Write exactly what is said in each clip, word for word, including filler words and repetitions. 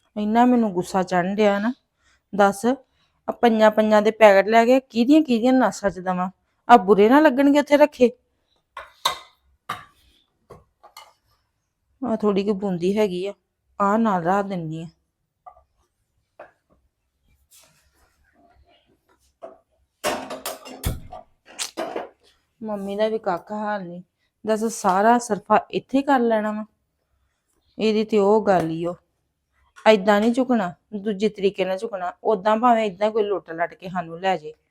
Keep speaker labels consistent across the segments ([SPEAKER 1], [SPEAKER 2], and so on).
[SPEAKER 1] ਇੰਨਾ ਮੈਨੂੰ ਗੁੱਸਾ ਚੜ੍ਹਨ ਡਿਆ ਨਾ। ਦੱਸ ਆ ਪੰਜਾਂ ਪੰਜਾਂ ਦੇ ਪੈਕਟ ਲੈ ਕੇ ਕਿਹਦੀਆਂ ਕਿਹਦੀਆਂ ਨਾਸਾਂ ਚ ਦਵਾਂ? ਆ ਬੁਰੇ ਨਾ ਲੱਗਣਗੇ ਉੱਥੇ ਰੱਖੇ। ਆ ਥੋੜੀ ਜਿਹੀ ਬੂੰਦੀ ਹੈਗੀ ਆ, ਆ ਨਾਲ ਰੱਖ ਦਿੰਨੀ ਆ। ਮੰਮੀ ਦਾ ਵੀ ਕੱਖ ਹਾਲ ਨਹੀਂ। ਦੱਸ ਸਾਰਾ ਸਰਫਾ ਇੱਥੇ ਕਰ ਲੈਣਾ ਵਾ? ਇਹਦੀ ਤੇ ਉਹ ਗੱਲ ਹੀ ਉਹ ਏਦਾਂ ਨਹੀਂ ਝੁਕਣਾ, ਦੂਜੇ ਤਰੀਕੇ ਨਾਲ ਝੁਕਣਾ। ਓਦਾਂ ਭਾਵੇਂ ਏਦਾਂ ਕੋਈ ਲੁੱਟ ਲੱਟ ਕੇ ਸਾਨੂੰ ਲੈ ਜੇ।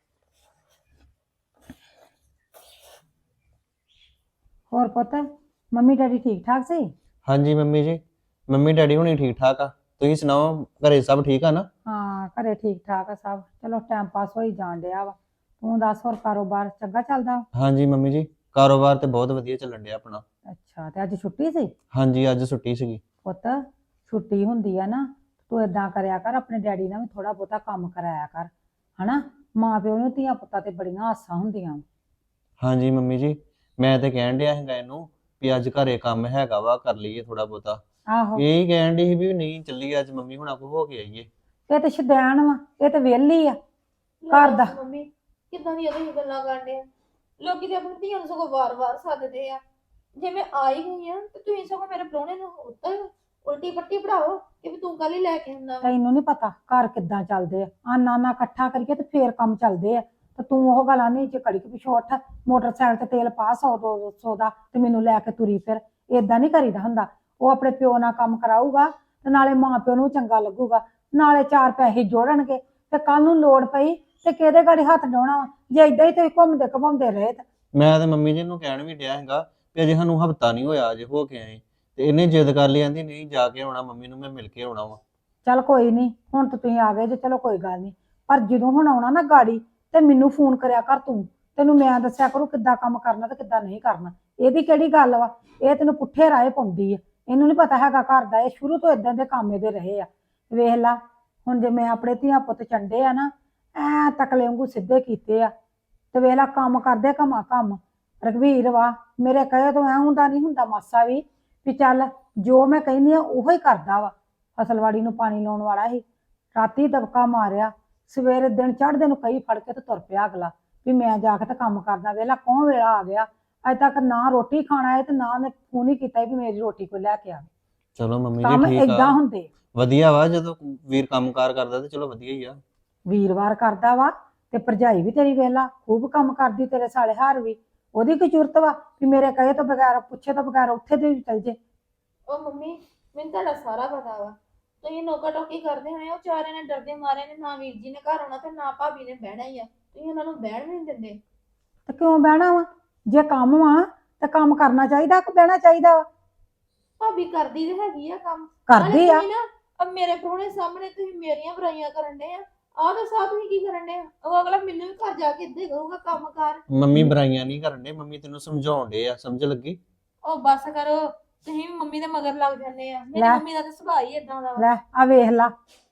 [SPEAKER 2] ਹੋਰ ਪੁੱਤ, ਮੰਮੀ ਡੈਡੀ ਠੀਕ ਠਾਕ ਸੀ?
[SPEAKER 3] ਹਾਂਜੀ ਮੰਮੀ ਜੀ, ਮੰਮੀ ਡੈਡੀ ਹੁਣੀ ਠੀਕ ਠਾਕ ਆ। ਤੁਸੀਂ ਸੁਣਾਓ, ਘਰੇ ਸਭ ਠੀਕ ਆ ਨਾ?
[SPEAKER 2] ਹਾਂ, ਘਰੇ ਠੀਕ ਠਾਕ ਆ ਸਭ। ਚਲੋ ਟਾਈਮ ਪਾਸ ਹੋਈ ਜਾਣ ਡਿਆ ਵਾ। ਤੂੰ ਦੱਸ, ਹੋਰ ਕਾਰੋਬਾਰ ਚੰਗਾ ਚੱਲਦਾ?
[SPEAKER 3] ਹਾਂਜੀ ਮੰਮੀ ਜੀ, ਕਾਰੋਬਾਰ ਤੇ ਬਹੁਤ ਵਧੀਆ ਚੱਲਣ ਡਿਆ ਆਪਣਾ।
[SPEAKER 2] ਅੱਛਾ, ਤੇ ਅੱਜ ਛੁੱਟੀ ਸੀ?
[SPEAKER 3] ਹਾਂਜੀ ਅੱਜ ਛੁੱਟੀ ਸੀਗੀ।
[SPEAKER 2] ਪੁੱਤ, ਛੁੱਟੀ ਹੁੰਦੀ ਆ ਨਾ, ਤੂੰ ਏਦਾਂ ਕਰਿਆ ਕਰ, ਆਪਣੇ ਡੈਡੀ ਨਾਲ ਵੀ ਥੋੜਾ ਬਹੁਤਾ ਕੰਮ ਕਰਾਇਆ ਕਰ, ਹਨਾ। ਮਾਂ ਪਿਓ ਨੂੰ ਧੀਆਂ ਪੁੱਤਾਂ ਤੇ ਬੜੀਆਂ ਆਸਾਂ ਹੁੰਦੀਆਂ।
[SPEAKER 3] ਹਾਂਜੀ ਮੰਮੀ ਜੀ, ਮੈਂ ਤੇ ਕਹਿਣ ਡਿਆ ਸੀਗਾ ਇਹਨੂੰ ਵੀ ਅੱਜ ਘਰੇ ਕੰਮ ਹੈਗਾ ਵਾ, ਕਰ ਲਈਏ ਥੋੜਾ ਬਹੁਤਾ।
[SPEAKER 2] ਆਹੋ,
[SPEAKER 3] ਇਹੀ ਕਹਿਣ ਡਈ ਸੀ ਵੀ ਨਹੀਂ ਚੱਲੀਏ ਅੱਜ ਮੰਮੀ ਹੁਣਾਂ ਕੋਲ ਹੋ ਕੇ ਆਈਏ।
[SPEAKER 2] ਇਹ ਤੇ ਸ਼ੁਦੈਣ ਵਾ, ਇਹ ਤੇ ਵਿਹਲੀ ਆ ਘਰ ਦਾ।
[SPEAKER 4] ਮੰਮੀ ਕਿੱਦਾਂ ਦੀਆਂ ਤੁਸੀਂ ਗੱਲਾਂ ਕਰਦੇ ਆ? ਲੋਕੀ ਤੇ ਆਪਣੀ ਧੀਆਂ ਨੂੰ ਸਗੋਂ ਵਾਰ-ਵਾਰ ਸੱਦਦੇ ਆ। ਜੇ ਮੈਂ ਆਈ ਗਈ ਆ ਤੇ ਤੁਸੀਂ ਸਗੋਂ ਮੇਰੇ ਪ੍ਰਾਹੁਣੇ ਨੂੰ ਉੱਤਰ ਉਲਟੀ ਪੱਟੀ ਪੜਾਓ ਕਿ ਵੀ ਤੂੰ ਕੱਲ ਹੀ ਲੈ ਕੇ ਆਉਂਦਾ।
[SPEAKER 2] ਤੈਨੂੰ ਨਹੀਂ ਪਤਾ ਘਰ ਕਿੱਦਾਂ ਚੱਲਦੇ ਆ। ਆਨਾ ਨਾ ਇਕੱਠਾ ਕਰੀਏ ਤੇ ਫੇਰ ਕੰਮ ਚੱਲਦੇ ਆ। ਤੇ ਤੂੰ ਉਹ ਗੱਲਾਂ ਨਹੀਂ ਚ ਕੜੀ ਪਿਛੋਂ ਉੱਠ, ਮੋਟਰਸਾਈਕਲ ਤੇ ਤੇਲ ਪਾ ਸੌ ਦੋ ਸੌ ਦਾ ਤੇ ਮੈਨੂੰ ਲੈ ਕੇ ਤੁਰੀ ਫਿਰ। ਏਦਾਂ ਨਹੀਂ ਕਰੀਦਾ ਹੁੰਦਾ। ਉਹ ਆਪਣੇ ਪਿਓ ਨਾਲ ਕੰਮ ਕਰਾਊਗਾ ਤੇ ਨਾਲੇ ਮਾਂ ਪਿਓ ਨੂੰ ਚੰਗਾ ਲੱਗੂਗਾ, ਨਾਲੇ ਚਾਰ ਪੈਸੇ ਜੋੜਨਗੇ। ਤੇ ਕੱਲ ਨੂੰ ਲੋੜ ਪਈ ਤੇ ਕਿਹਦੇ ਗਾੜੀ ਹੱਥ ਡਾਉਣਾ ਵਾ? ਜੇ ਏਦਾਂ ਹੀ ਤੁਸੀਂ ਘੁੰਮਦੇ ਘੁਮਾਉਂਦੇ ਰਹੇ ਤੇ।
[SPEAKER 3] ਮੈਂ ਤੇ ਮੰਮੀ ਜੀ ਨੂੰ ਕਹਿਣ ਵੀ ਡਿਆ ਹੈਗਾ ਵੀ ਅਜੇ ਸਾਨੂੰ ਹਫਤਾ ਨਹੀਂ ਹੋਇਆ ਅਜੇ ਹੋ ਕੇ ਆਏ, ਤੇ ਇਹਨੇ ਜਿੱਦ ਕਰ ਲਈ, ਕਹਿੰਦੀ ਨਹੀਂ ਜਾ ਕੇ ਆਉਣਾ, ਮੰਮੀ ਨੂੰ ਮੈਂ ਮਿਲ ਕੇ ਆਉਣਾ ਵਾ।
[SPEAKER 2] ਚੱਲ ਕੋਈ ਨਹੀਂ, ਹੁਣ ਤਾਂ ਤੁਸੀਂ ਆ ਗਏ ਜੇ, ਚਲੋ ਕੋਈ ਗੱਲ ਨਹੀਂ। ਪਰ ਜਦੋਂ ਹੁਣ ਆਉਣਾ ਨਾ ਗਾੜੀ ਤੇ ਮੈਨੂੰ ਫੋਨ ਕਰਿਆ ਕਰ ਤੂੰ। ਤੈਨੂੰ ਮੈਂ ਦੱਸਿਆ ਕਰੂ ਕਿੱਦਾਂ ਕੰਮ ਕਰਨਾ ਤੇ ਕਿੱਦਾਂ ਨਹੀਂ ਕਰਨਾ। ਇਹਦੀ ਕਿਹੜੀ ਗੱਲ ਵਾ? ਇਹ ਤੈਨੂੰ ਪੁੱਠੇ ਰਾਹੇ ਪਾਉਂਦੀ ਆ। ਇਹਨੂੰ ਨਹੀਂ ਪਤਾ ਹੈਗਾ ਘਰ ਦਾ। ਇਹ ਸ਼ੁਰੂ ਤੋਂ ਇਦਾਂ ਦੇ ਕੰਮ ਇਹਦੇ ਰਹੇ ਆ। ਵੇਖ ਲਾ ਹੁਣ, ਜੇ ਮੈਂ ਆਪਣੇ ਧੀਆਂ ਪੁੱਤ ਚੰਡੇ ਆ ਨਾ, ਐ ਤਕਲੇ ਵਾਂਗੂ ਸਿੱਧੇ ਕੀਤੇ ਆ। ਤੇ ਵੇਖ ਲਾ ਕੰਮ ਕਰਦੇ ਕਮਾ ਕੰਮ। ਰਘਵੀਰ ਵਾ, ਮੇਰੇ ਕਹੇ ਤੋਂ ਐ ਹੁੰਦਾ ਨਹੀਂ ਹੁੰਦਾ ਮਾਸਾ ਵੀ ਵੀ ਚੱਲ ਜੋ ਮੈਂ ਕਹਿੰਦੀ ਆ ਉਹੋ ਹੀ ਕਰਦਾ ਵਾ। ਫਸਲਵਾੜੀ ਨੂੰ ਪਾਣੀ ਲਾਉਣ ਵਾਲਾ ਸੀ, ਰਾਤੀ ਦਬਕਾ ਮਾਰਿਆ, ਸਵੇਰੇ ਦਿਨ ਚੜ੍ਹਦੇ ਨੂੰ ਕਈ ਫੜ ਕੇ ਤੇ ਤੁਰ ਪਿਆ ਅਗਲਾ ਵੀ ਮੈਂ ਜਾ ਕੇ ਤੇ ਕੰਮ ਕਰਦਾ। ਵੇਲਾ ਕੌਣ ਵੇਲਾ ਆ ਗਿਆ, ਅਜੇ ਤੱਕ ਨਾ ਰੋਟੀ ਖਾਣਾ ਹੈ ਤੇ ਨਾ ਉਹਨੇ ਫੋਨ ਹੀ ਕੀਤਾ ਵੀ ਮੇਰੀ ਰੋਟੀ ਕੋਈ ਲੈ ਕੇ ਆਵੇ।
[SPEAKER 3] ਚਲੋ ਮੰਮੀ ਜੀ
[SPEAKER 2] ਕੰਮ
[SPEAKER 3] ਠੀਕ
[SPEAKER 2] ਏਦਾਂ
[SPEAKER 3] ਆ,
[SPEAKER 2] ਹੁੰਦੇ।
[SPEAKER 3] ਵਧੀਆ ਵਾ ਜਦੋਂ ਵੀਰ ਕੰਮਕਾਰ ਕਰਦਾ ਤੇ ਚਲੋ ਵਧੀਆ ਹੀ ਆ।
[SPEAKER 2] ਵੀਰਵਾਰ ਕਰਦਾ ਵਾ ਤੇ ਭਰਜਾਈ ਵੀ ਤੇਰੀ ਵੇਲਾ ਖੂਬ ਕੰਮ ਕਰਦੀ, ਤੇਰੇ ਸਾਲੇ ਹਾਰ ਵੀ। ਉਹਦੀ ਕੀ ਜ਼ਰੂਰਤ ਵਾ ਵੀ ਮੇਰੇ ਕਹੇ ਤੋਂ ਬਗੈਰ, ਪੁੱਛੇ ਤੋਂ ਬਗੈਰ ਉੱਥੇ ਤੇ ਵੀ ਚੱਲ ਜੇ।
[SPEAKER 4] ਉਹ ਮੰਮੀ ਮੈਨੂੰ ਤੁਹਾਡਾ ਸਾਰਾ ਪਤਾ ਵਾ, ਤੁਸੀਂ ਨੋਕਾ ਟੋਕੀ ਕਰਦੇ ਹੋਏ ਉਹ ਚਾਰੇ ਨੇ ਡਰਦੇ ਮਾਰੇ ਨੇ ਨਾ ਵੀਰ ਜੀ ਨੇ ਘਰ ਆਉਣਾ ਤੇ ਨਾ ਭਾਬੀ ਨੇ ਬਹਿਣਾ ਹੀ ਆ। ਤੁਸੀਂ ਉਹਨਾਂ ਨੂੰ ਬਹਿਣ ਵੀ ਨਹੀਂ ਦਿੰਦੇ।
[SPEAKER 2] ਤੇ ਕਿਉਂ ਬਹਿਣਾ ਵਾ? ਜੇ ਕੰਮ ਵਾ ਤੇ ਕੰਮ ਕਰਨਾ ਚਾਹੀਦਾ ਕਿ ਬਹਿਣਾ ਚਾਹੀਦਾ ਵਾ?
[SPEAKER 4] ਭਾਬੀ ਕਰਦੀ ਤੇ ਹੈਗੀ ਆ ਕੰਮ,
[SPEAKER 2] ਕਰਦੀ ਆ।
[SPEAKER 4] ਤੁਸੀਂ ਨਾ ਅਬ ਮੇਰੇ ਪ੍ਰਾਹੁਣੇ ਸਾਹਮਣੇ ਤੁਸੀਂ ਮੇਰੀਆਂ ਬੁਰਾਈਆਂ ਕਰਨ ਦੇ ਆ। ਆਹ ਤਾਂ ਸਾਹ ਤੁਸੀਂ ਕੀ ਕਰਨ ਦੇ ਆ? ਉਹ ਅਗਲਾ ਮੈਨੂੰ ਵੀ ਘਰ ਜਾ ਕੇ ਇੱਦਾਂ ਹੀ ਕਹੂਗਾ ਕੰਮ ਕਰ।
[SPEAKER 3] ਮੰਮੀ ਬੁਰਾਈਆਂ ਨਹੀਂ ਕਰਨ ਦੇ, ਮੰਮੀ ਤੈਨੂੰ ਸਮਝਾਉਣ ਦੇ ਆ, ਸਮਝ ਲੱਗੀ?
[SPEAKER 4] ਉਹ ਬਸ ਕਰੋ, ਤੁਸੀਂ ਵੀ ਮੰਮੀ ਦੇ ਮਗਰ ਲੱਗ ਜਾਂਦੇ ਆ। ਮੇਰੀ
[SPEAKER 2] ਲੈ।
[SPEAKER 4] ਮੰਮੀ ਦਾ ਤਾਂ ਸੁਭਾਅ ਹੀ ਏਦਾਂ ਦਾ ਵਾ।
[SPEAKER 2] ਲੈ ਆ ਵੇਖ ਲਾ,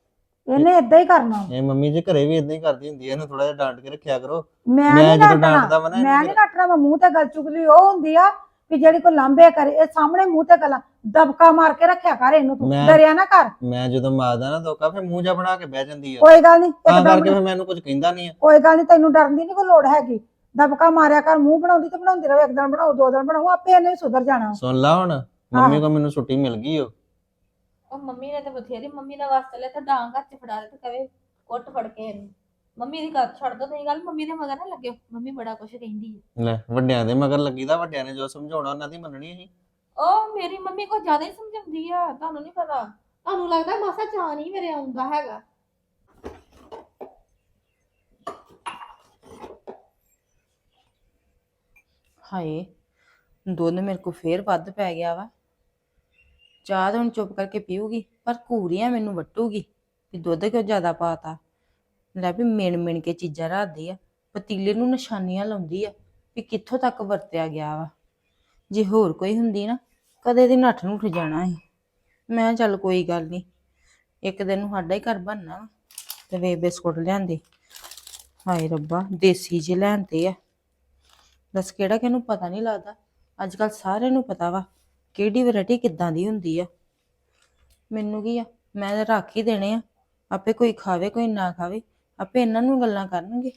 [SPEAKER 2] ਇਹਨੇ ਏਦਾਂ ਹੀ ਕਰਨਾ।
[SPEAKER 3] ਇਹ ਮੰਮੀ ਜੀ ਘਰੇ ਵੀ ਇਦਾਂ ਹੀ ਕਰਦੀ ਹੁੰਦੀ ਹੈ, ਇਹਨੂੰ ਥੋੜਾ ਜਿਹਾ ਡਾਂਟ ਕੇ ਰੱਖਿਆ ਕਰੋ।
[SPEAKER 2] ਮੈਂ
[SPEAKER 3] ਮੈਂ
[SPEAKER 2] ਨਹੀਂ
[SPEAKER 3] ਜਦੋਂ
[SPEAKER 2] ਡਾਂਟਣਾ,
[SPEAKER 3] ਡਾਂਟਦਾ ਵਾ ਨਾ
[SPEAKER 2] ਮੈਂ
[SPEAKER 3] ਇਹਨੂੰ
[SPEAKER 2] ਨਹੀਂ ਡਾਂਟਣਾ। ਮੈਂ ਮੂੰਹ ਤੇ ਗੱਲ ਚੁਗਲੀ ਉਹ ਹੁੰਦੀ ਆ ਵੀ ਜਿਹੜੀ ਕੋਈ ਲਾਂਬੇ ਕਰੇ। ਇਹ ਸਾਹਮਣੇ ਮੂੰਹ ਤੇ ਗੱਲਾਂ ਦਬਕਾ ਮਾਰ ਕੇ ਰੱਖਿਆ ਕਰ ਇਹਨੂੰ, ਤੂੰ
[SPEAKER 3] ਮੈਂ-
[SPEAKER 2] ਡਰਿਆ ਨਾ ਕਰ।
[SPEAKER 3] ਮੈਂ ਜਦੋਂ ਮਾਰਦਾ ਨਾ ਧੋਕਾ ਫਿਰ ਮੂੰਹ ਜਾ ਬਣਾ ਕੇ ਬਹਿ ਜਾਂਦੀ ਆ,
[SPEAKER 2] ਕੋਈ ਗੱਲ ਨਹੀਂ,
[SPEAKER 3] ਤਾਂ
[SPEAKER 2] ਇੱਕਦਮ
[SPEAKER 3] ਕਰਕੇ ਫਿਰ ਮੈਨੂੰ ਕੁਝ ਕਹਿੰਦਾ ਨਹੀਂ ਆ।
[SPEAKER 2] ਕੋਈ ਗੱਲ ਨਹੀਂ, ਤੈਨੂੰ ਡਰਨ ਦੀ ਨਹੀਂ ਕੋਈ ਲੋੜ ਹੈਗੀ। ਦਬਕਾ ਮਾਰਿਆ ਕਰ, ਮੂੰਹ ਬਣਾਉਂਦੀ ਤੇ ਬਣਾਉਂਦੀ ਰਹੇ। ਇੱਕ ਦਿਨ ਬਣਾਓ, ਦੋ ਦਿਨ ਬਣਾਓ, ਆਪੇ ਇਹਨੇ ਵੀ ਸੁਧਰ ਜਾਣਾ।
[SPEAKER 3] ਸੁਣ ਲਾ ਹੁਣ, ਮੰਮੀ ਕੋ ਮੈਨੂੰ ਛੁੱਟੀ ਮਿਲ ਗਈ ਓ।
[SPEAKER 4] ਉਹ ਮੰਮੀ ਨੇ ਤਾਂ ਬਥੇਰੀ ਮੰਮੀ ਦਾ ਵਾਸਤਾ ਲੈ ਤਾਂ ਡਾਂਗ ਹੱਥ 'ਚ ਫੜਾ ਦੇ ਤੇ ਕਵੇ ਕੁੱਟ ਫੜ ਕੇ ਇਹਨੂੰ। ਮੰਮੀ ਦੀ ਗੱਲ ਛੱਡ ਦੋ ਤੁਸੀਂ, ਗੱਲ ਮੰਮੀ ਦੇ ਮਗਰ ਨਾ ਲੱਗਿਓ। ਮੰਮੀ ਬੜਾ ਕੁਛ ਕਹਿੰਦੀ ਹੈ।
[SPEAKER 3] ਲੈ ਵੱਡਿਆਂ ਦੇ ਮਗਰ ਲੱਗੀਦਾ, ਵੱਡਿਆਂ ਨੇ ਜੋ ਸਮਝਾਉਣਾ ਉਹਨਾਂ ਦੀ ਮੰਨਣੀ ਅਸੀਂ।
[SPEAKER 4] ਉਹ ਮੇਰੀ ਮੰਮੀ ਕੋ ਜ਼ਿਆਦਾ ਹੀ ਸਮਝਾਉਂਦੀ ਆ, ਤੁਹਾਨੂੰ ਨਹੀਂ ਪਤਾ। ਤੁਹਾਨੂੰ ਲੱਗਦਾ ਮਾਸਾ ਚਾਅ ਨਹੀਂ ਮੇਰੇ ਆਉਂਦਾ ਹੈਗਾ।
[SPEAKER 1] ਹਾਏ, ਦੁੱਧ ਮੇਰੇ ਕੋ ਫੇਰ ਵੱਧ ਪੈ ਗਿਆ ਵਾ। ਚਾਹ ਤਾਂ ਹੁਣ ਚੁੱਪ ਕਰਕੇ ਪੀਊਗੀ, ਪਰ ਘੂਰੀਆਂ ਮੈਨੂੰ ਵੱਟੂਗੀ ਵੀ ਦੁੱਧ ਕਿਉਂ ਜ਼ਿਆਦਾ ਪਾਤਾ। ਲੈ ਵੀ ਮਿਣ ਮਿਣ ਕੇ ਚੀਜ਼ਾਂ ਰੱਖਦੀ ਆ, ਪਤੀਲੇ ਨੂੰ ਨਿਸ਼ਾਨੀਆਂ ਲਾਉਂਦੀ ਆ ਵੀ ਕਿੱਥੋਂ ਤੱਕ ਵਰਤਿਆ ਗਿਆ ਵਾ। ਜੇ ਹੋਰ ਕੋਈ ਹੁੰਦੀ ਨਾ, ਕਦੇ ਦੀ ਨੱਠ ਨੂੰ ਉੱਠ ਜਾਣਾ ਸੀ। ਮੈਂ ਚੱਲ ਕੋਈ ਗੱਲ ਨਹੀਂ, ਇੱਕ ਦਿਨ ਨੂੰ ਸਾਡਾ ਹੀ ਘਰ ਬਣਨਾ ਵਾ। ਤੇ ਵੇ ਬਿਸਕੁਟ ਲਿਆਂਦੇ, ਹਾਏ ਰੱਬਾ ਦੇਸੀ ਜਿਹੇ ਲੈਂਦੇ ਆ। ਦੱਸ ਕਿਹੜਾ ਕਿਹਨੂੰ ਪਤਾ ਨਹੀਂ ਲੱਗਦਾ। ਅੱਜ ਕੱਲ ਸਾਰਿਆਂ ਨੂੰ ਪਤਾ ਵਾ ਕਿਹੜੀ ਵੈਰਾਈਟੀ ਕਿੱਦਾਂ ਦੀ ਹੁੰਦੀ ਆ। ਮੈਨੂੰ ਕੀ ਆ, ਮੈਂ ਤਾਂ ਰੱਖ ਹੀ ਦੇਣੇ ਆ, ਆਪੇ ਕੋਈ ਖਾਵੇ ਕੋਈ ਨਾ ਖਾਵੇ, ਆਪੇ ਇਹਨਾਂ ਨੂੰ ਗੱਲਾਂ ਕਰਨਗੇ।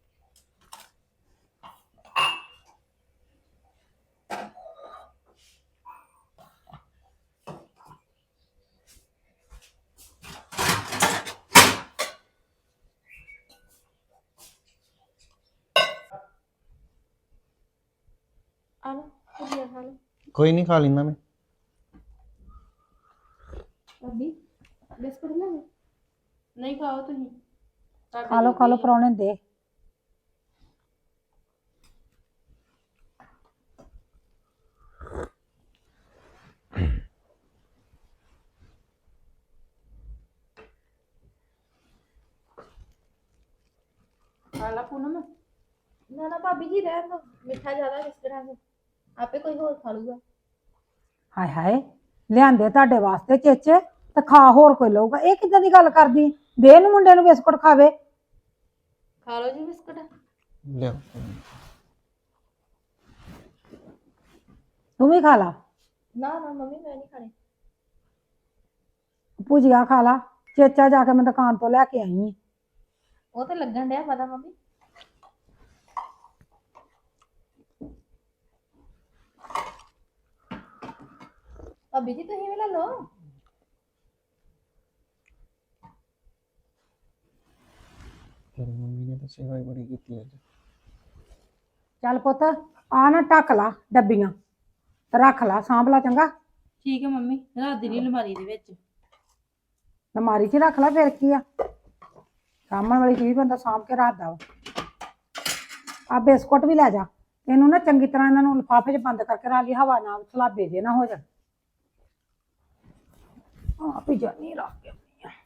[SPEAKER 4] ਆ ਲਓ ਭੁਜੀਆ ਖਾ ਲਓ।
[SPEAKER 3] ਕੋਈ ਨਹੀਂ, ਖਾ ਲੈਂਦਾ ਮੈਂ।
[SPEAKER 4] ਭਾਬੀ ਬਿਸਕੁਟ ਲੈ ਲਓ।
[SPEAKER 1] ਨਹੀਂ ਖਾਓ ਤੁਸੀਂ,
[SPEAKER 2] ਖਾ ਲਓ ਖਾ ਲਓ ਪਰੌਣੇ ਦੇ।
[SPEAKER 1] ਖਾ ਲਾ ਪੂਨਮ।
[SPEAKER 4] ਨਾ ਨਾ ਭਾਬੀ ਜੀ ਰਹਿਣ ਦੋ, ਮਿੱਠਾ ਜ਼ਿਆਦਾ ਕਿਸ ਤਰ੍ਹਾਂ ਦਾ, ਆਪੇ ਕੋਈ ਹੋਰ ਖਾ ਲੂਗਾ।
[SPEAKER 2] ਹਾਏ ਹਾਏ, ਲਿਆਂਦੇ ਤੁਹਾਡੇ ਵਾਸਤੇ ਚੇਚੇ ਤੇ ਖਾ ਹੋਰ ਕੋਈ ਲਊਗਾ। ਇਹ ਕਿੱਦਾਂ ਦੀ ਗੱਲ ਕਰਦੀ? ਦੇ ਨੂੰ ਮੁੰਡੇ ਨੂੰ ਬਿਸਕੁਟ ਖਾਵੇ।
[SPEAKER 4] ਖਾ ਲਓ ਜੀ ਬਿਸਕੁਟ।
[SPEAKER 3] ਲਿਆ।
[SPEAKER 2] ਤੂੰ ਵੀ ਖਾ ਲਾ।
[SPEAKER 4] ਨਾ ਨਾ ਮੰਮੀ ਮੈਂ ਨਹੀਂ ਖਾਣੇ।
[SPEAKER 2] ਭੁਜੀਆ ਖਾ ਲਾ। ਚੇਚਾ ਜਾ ਕੇ ਮੈਂ ਦੁਕਾਨ ਤੋਂ ਲੈ ਕੇ ਆਈ ਆਂ।
[SPEAKER 4] ਉਹ ਤੇ ਲੱਗਣ ਡਿਆ ਪਤਾ ਮੰਮੀ। ਭਾਬੀ ਜੀ ਤੁਸੀਂ ਵੀ ਲੈ ਲਓ।
[SPEAKER 3] ਤੇਰੀ ਮੰਮੀ ਨੇ ਤਾਂ ਸੇਵਾ ਹੀ ਬੜੀ ਕੀਤੀ ਅੱਜ।
[SPEAKER 2] ਚੱਲ ਪੁੱਤ, ਆ ਨਾ ਢੱਕ ਲਾ ਡੱਬੀਆਂ ਤੇ ਰੱਖ ਲਾ, ਸਾਂਭ ਲਾ ਚੰਗਾ।
[SPEAKER 1] ਠੀਕ ਹੈ ਮੰਮੀ, ਰੱਖ ਦੇਣੀ ਅਲਮਾਰੀ ਦੇ ਵਿੱਚ।
[SPEAKER 2] ਅਲਮਾਰੀ 'ਚ ਰੱਖ ਲਾ, ਫਿਰ ਕੀ ਆ। ਸਾਂਭਣ ਵਾਲੀ ਚੀਜ਼ ਬੰਦਾ ਸਾਂਭ ਕੇ ਰੱਖਦਾ ਵਾ। ਆ ਬਿਸਕੁਟ ਵੀ ਲੈ ਜਾ। ਇਹਨੂੰ ਨਾ ਚੰਗੀ ਤਰ੍ਹਾਂ ਇਹਨਾਂ ਨੂੰ ਲਿਫਾਫੇ 'ਚ ਬੰਦ ਕਰਕੇ ਰੱਖ ਲਈ, ਹਵਾ ਨਾਲ ਸਲਾਬੇ ਜੇ ਨਾ ਹੋ ਜਾਣ। ਆ ਵੀ ਜਾਨੀ ਰੱਖ ਕੇ ਆਉਂਦੀ ਆ।